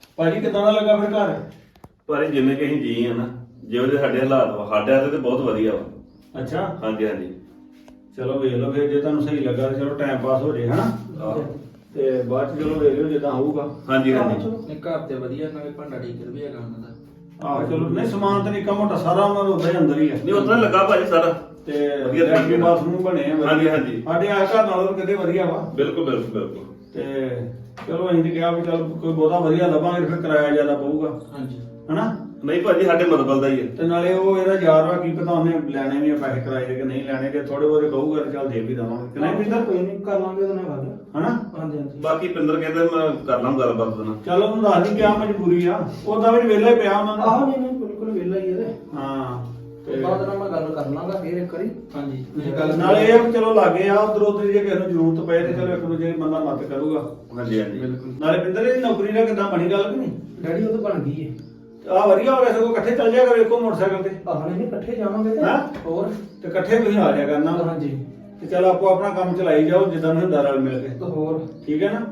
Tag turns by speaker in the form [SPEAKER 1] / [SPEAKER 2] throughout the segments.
[SPEAKER 1] ਭਾਜੀ ਕਿਦਾਂ ਦਾ ਲੱਗਾ ਫਿਰ ਘਰ?
[SPEAKER 2] ਪਰ ਇਹ ਜਿੰਨੇ ਕਿ ਅਸੀਂ ਜੀ ਆ ਨਾ, ਜਿਹੋ ਜਿਹੇ ਸਾਡੇ ਹਾਲਾਤ ਵਾ ਸਾਡੇ ਹੱਥ ਤੇ ਬਹੁਤ ਵਧੀਆ ਵਾ।
[SPEAKER 1] ਅੱਛਾ
[SPEAKER 2] ਹਾਂਜੀ ਹਾਂਜੀ।
[SPEAKER 1] ਚਲੋ ਵੇਖ ਲਓ ਫਿਰ, ਜੇ ਤੁਹਾਨੂੰ ਸਹੀ ਲੱਗਾ ਤਾਂ ਚਲੋ ਟਾਈਮ ਪਾਸ ਹੋ ਜੇ ਹਨਾ।
[SPEAKER 2] ਆਹੋ।
[SPEAKER 1] ਤੇ ਬਾਅਦ ਚ ਚਲੋ ਵੇਖ ਲਿਓ ਜਿੱਦਾਂ ਹੋਊਗਾ।
[SPEAKER 2] ਹਾਂਜੀ ਹਾਂਜੀ।
[SPEAKER 3] ਨਹੀਂ ਘਰ ਤੇ ਵਧੀਆ, ਨਾਲੇ ਭਾਂਡਾ ਡੀਕਰ ਵੀ ਹੈਗਾ ਉਹਨਾਂ ਦਾ।
[SPEAKER 1] ਆਹੋ ਚਲੋ, ਨਹੀਂ ਸਮਾਨ ਤਾਂ ਨਿੱਕਾ ਮੋਟਾ ਸਾਰਾ ਉਹਨਾਂ ਦਾ ਉੱਦਾਂ ਹੀ ਅੰਦਰ ਹੀ ਹੈ।
[SPEAKER 2] ਨਹੀਂ ਉਤਨਾ ਲੱਗਾ ਭਾਜੀ ਸਾਰਾ
[SPEAKER 1] ਤੇ
[SPEAKER 2] ਵਧੀਆ ਤਰੀਕੇ
[SPEAKER 1] ਲੈਟਰਿਨ
[SPEAKER 2] ਨਾਲ।
[SPEAKER 1] ਬਾਥਰੂਮ ਬਣੇ ਆ ਵਧੀਆ।
[SPEAKER 2] ਹਾਂਜੀ, ਹਾਂਜੀ।
[SPEAKER 1] ਸਾਡੇ ਆ ਘਰ ਨਾਲੋਂ ਕਿਤੇ ਵਧੀਆ ਵਾ।
[SPEAKER 2] ਬਿਲਕੁਲ ਬਿਲਕੁਲ ਬਿਲਕੁਲ।
[SPEAKER 1] ਤੇ ਚਲੋ ਅਸੀਂ ਤੇ ਕਿਹਾ ਵੀ ਚਲ ਕੋਈ ਬਹੁਤਾ ਵਧੀਆ ਲੱਭਾਂਗੇ ਫਿਰ ਕਿਰਾਇਆ ਜ਼ਿਆਦਾ ਪਊਗਾ
[SPEAKER 3] ਹਾਂਜੀ
[SPEAKER 1] ਹਨਾ।
[SPEAKER 2] ਨਹੀਂ ਭਾਜੀ ਸਾਡੇ ਮਤਲਬ ਦਾ ਹੀ ਹੈ।
[SPEAKER 1] ਤੇ ਨਾਲੇ ਉਹ ਇਹਦਾ ਯਾਰ ਵਾ, ਕੀ ਪਤਾ ਉਹਨੇ ਲੈਣੇ ਵੀ ਆ ਪੈਸੇ ਕਿਰਾਏ ਦੇ ਕਿ ਨਹੀਂ ਲੈਣੇ, ਜੇ ਥੋੜੇ ਬਹੁਤੇ ਕਹੂਗਾ ਤੇ ਚੱਲ ਦੇ ਵੀ ਦੇਵਾਂਗੇ ਕਿ ਨਹੀਂ ਪਿੰਦਰ,
[SPEAKER 3] ਕੋਈ ਨਹੀਂ ਕਰ ਲਾਂਗੇ ਉਹਦੇ ਨਾਲ ਗੱਲ।
[SPEAKER 1] ਹਨਾ।
[SPEAKER 3] ਹਾਂਜੀ ਹਾਂਜੀ।
[SPEAKER 2] ਬਾਕੀ ਪਿੰਦਰ ਕਹਿੰਦੇ ਮੈਂ ਕਰ ਲਾਂ ਗੱਲਬਾਤ ਉਹਦੇ ਨਾਲ।
[SPEAKER 1] ਚੱਲ ਉਹਨੂੰ ਦੱਸ ਦੀ ਕਿਆ ਮਜਬੂਰੀ ਆ, ਉਹਦਾ ਵੀ ਵਿਹਲਾ ਹੀ ਪਿਆ ਉਹਨਾਂ ਦਾ।
[SPEAKER 3] ਆਹੋ ਨਹੀਂ ਬਿਲਕੁਲ ਵਿਹਲਾ ਹੀ ਇਹਦੇ।
[SPEAKER 1] ਹਾਂ ਤੇ
[SPEAKER 3] ਬਾਅਦ ਨਾਲ ਮੈਂ ਗੱਲ ਕਰ ਲਾਂਗਾ ਫੇਰ ਇੱਕ ਵਾਰੀ। ਹਾਂਜੀ ਤੁਸੀਂ ਗੱਲ
[SPEAKER 1] ਨਾਲੇ ਇਹ ਆ ਵੀ ਚਲੋ ਲਾਗੇ ਆ, ਉਧਰ ਉਧਰ ਜੇ ਕਿਸੇ ਨੂੰ ਜ਼ਰੂਰਤ ਪਏ ਤੇ ਚਲੋ ਇੱਕ ਦੂਜੇ ਬੰਦਾ ਮਦਦ ਕਰੂਗਾ।
[SPEAKER 2] ਹਾਂਜੀ ਹਾਂਜੀ।
[SPEAKER 3] ਬਿਲਕੁਲ।
[SPEAKER 1] ਨਾਲੇ ਪਿੰਦਰ ਇਹ ਨੌਕਰੀ ਦਾ ਕਿੱਦਾਂ ਬਣੀ ਗੱਲ ਕਿ ਨਹੀਂ?
[SPEAKER 3] ਡੈਡੀ ਉਹ ਤਾਂ ਬਣ ਗਈ ਏ।
[SPEAKER 1] ਆ ਵਧੀਆ ਹੋ ਗਿਆ, ਸਗੋਂ ਇਕੱਠੇ ਚੱਲ ਜਾਇਆ ਕਰੋ ਇੱਕੋ ਮੋਟਰਸਾਈਕਲ ਤੇ।
[SPEAKER 3] ਆਹ ਨਹੀਂ ਇਕੱਠੇ ਜਾਵਾਂਗੇ ਤੇ
[SPEAKER 1] ਹੈਂ?
[SPEAKER 3] ਹੋਰ।
[SPEAKER 1] ਤੇ ਇਕੱਠੇ ਤੁਸੀਂ ਆ ਜਾਇਆ ਕਰਨਾ।
[SPEAKER 3] ਹਾਂਜੀ
[SPEAKER 1] ਤੇ ਚਲ ਆਪੋ ਆਪਣਾ ਕੰਮ ਚਲਾਈ ਜਾਓ ਜਿੱਦਾਂ ਨੂੰ ਹੁੰਦਾ ਰਲ ਮਿਲ ਕੇ।
[SPEAKER 3] ਤੇ ਹੋਰ।
[SPEAKER 1] ਠੀਕ ਹੈ ਨਾ।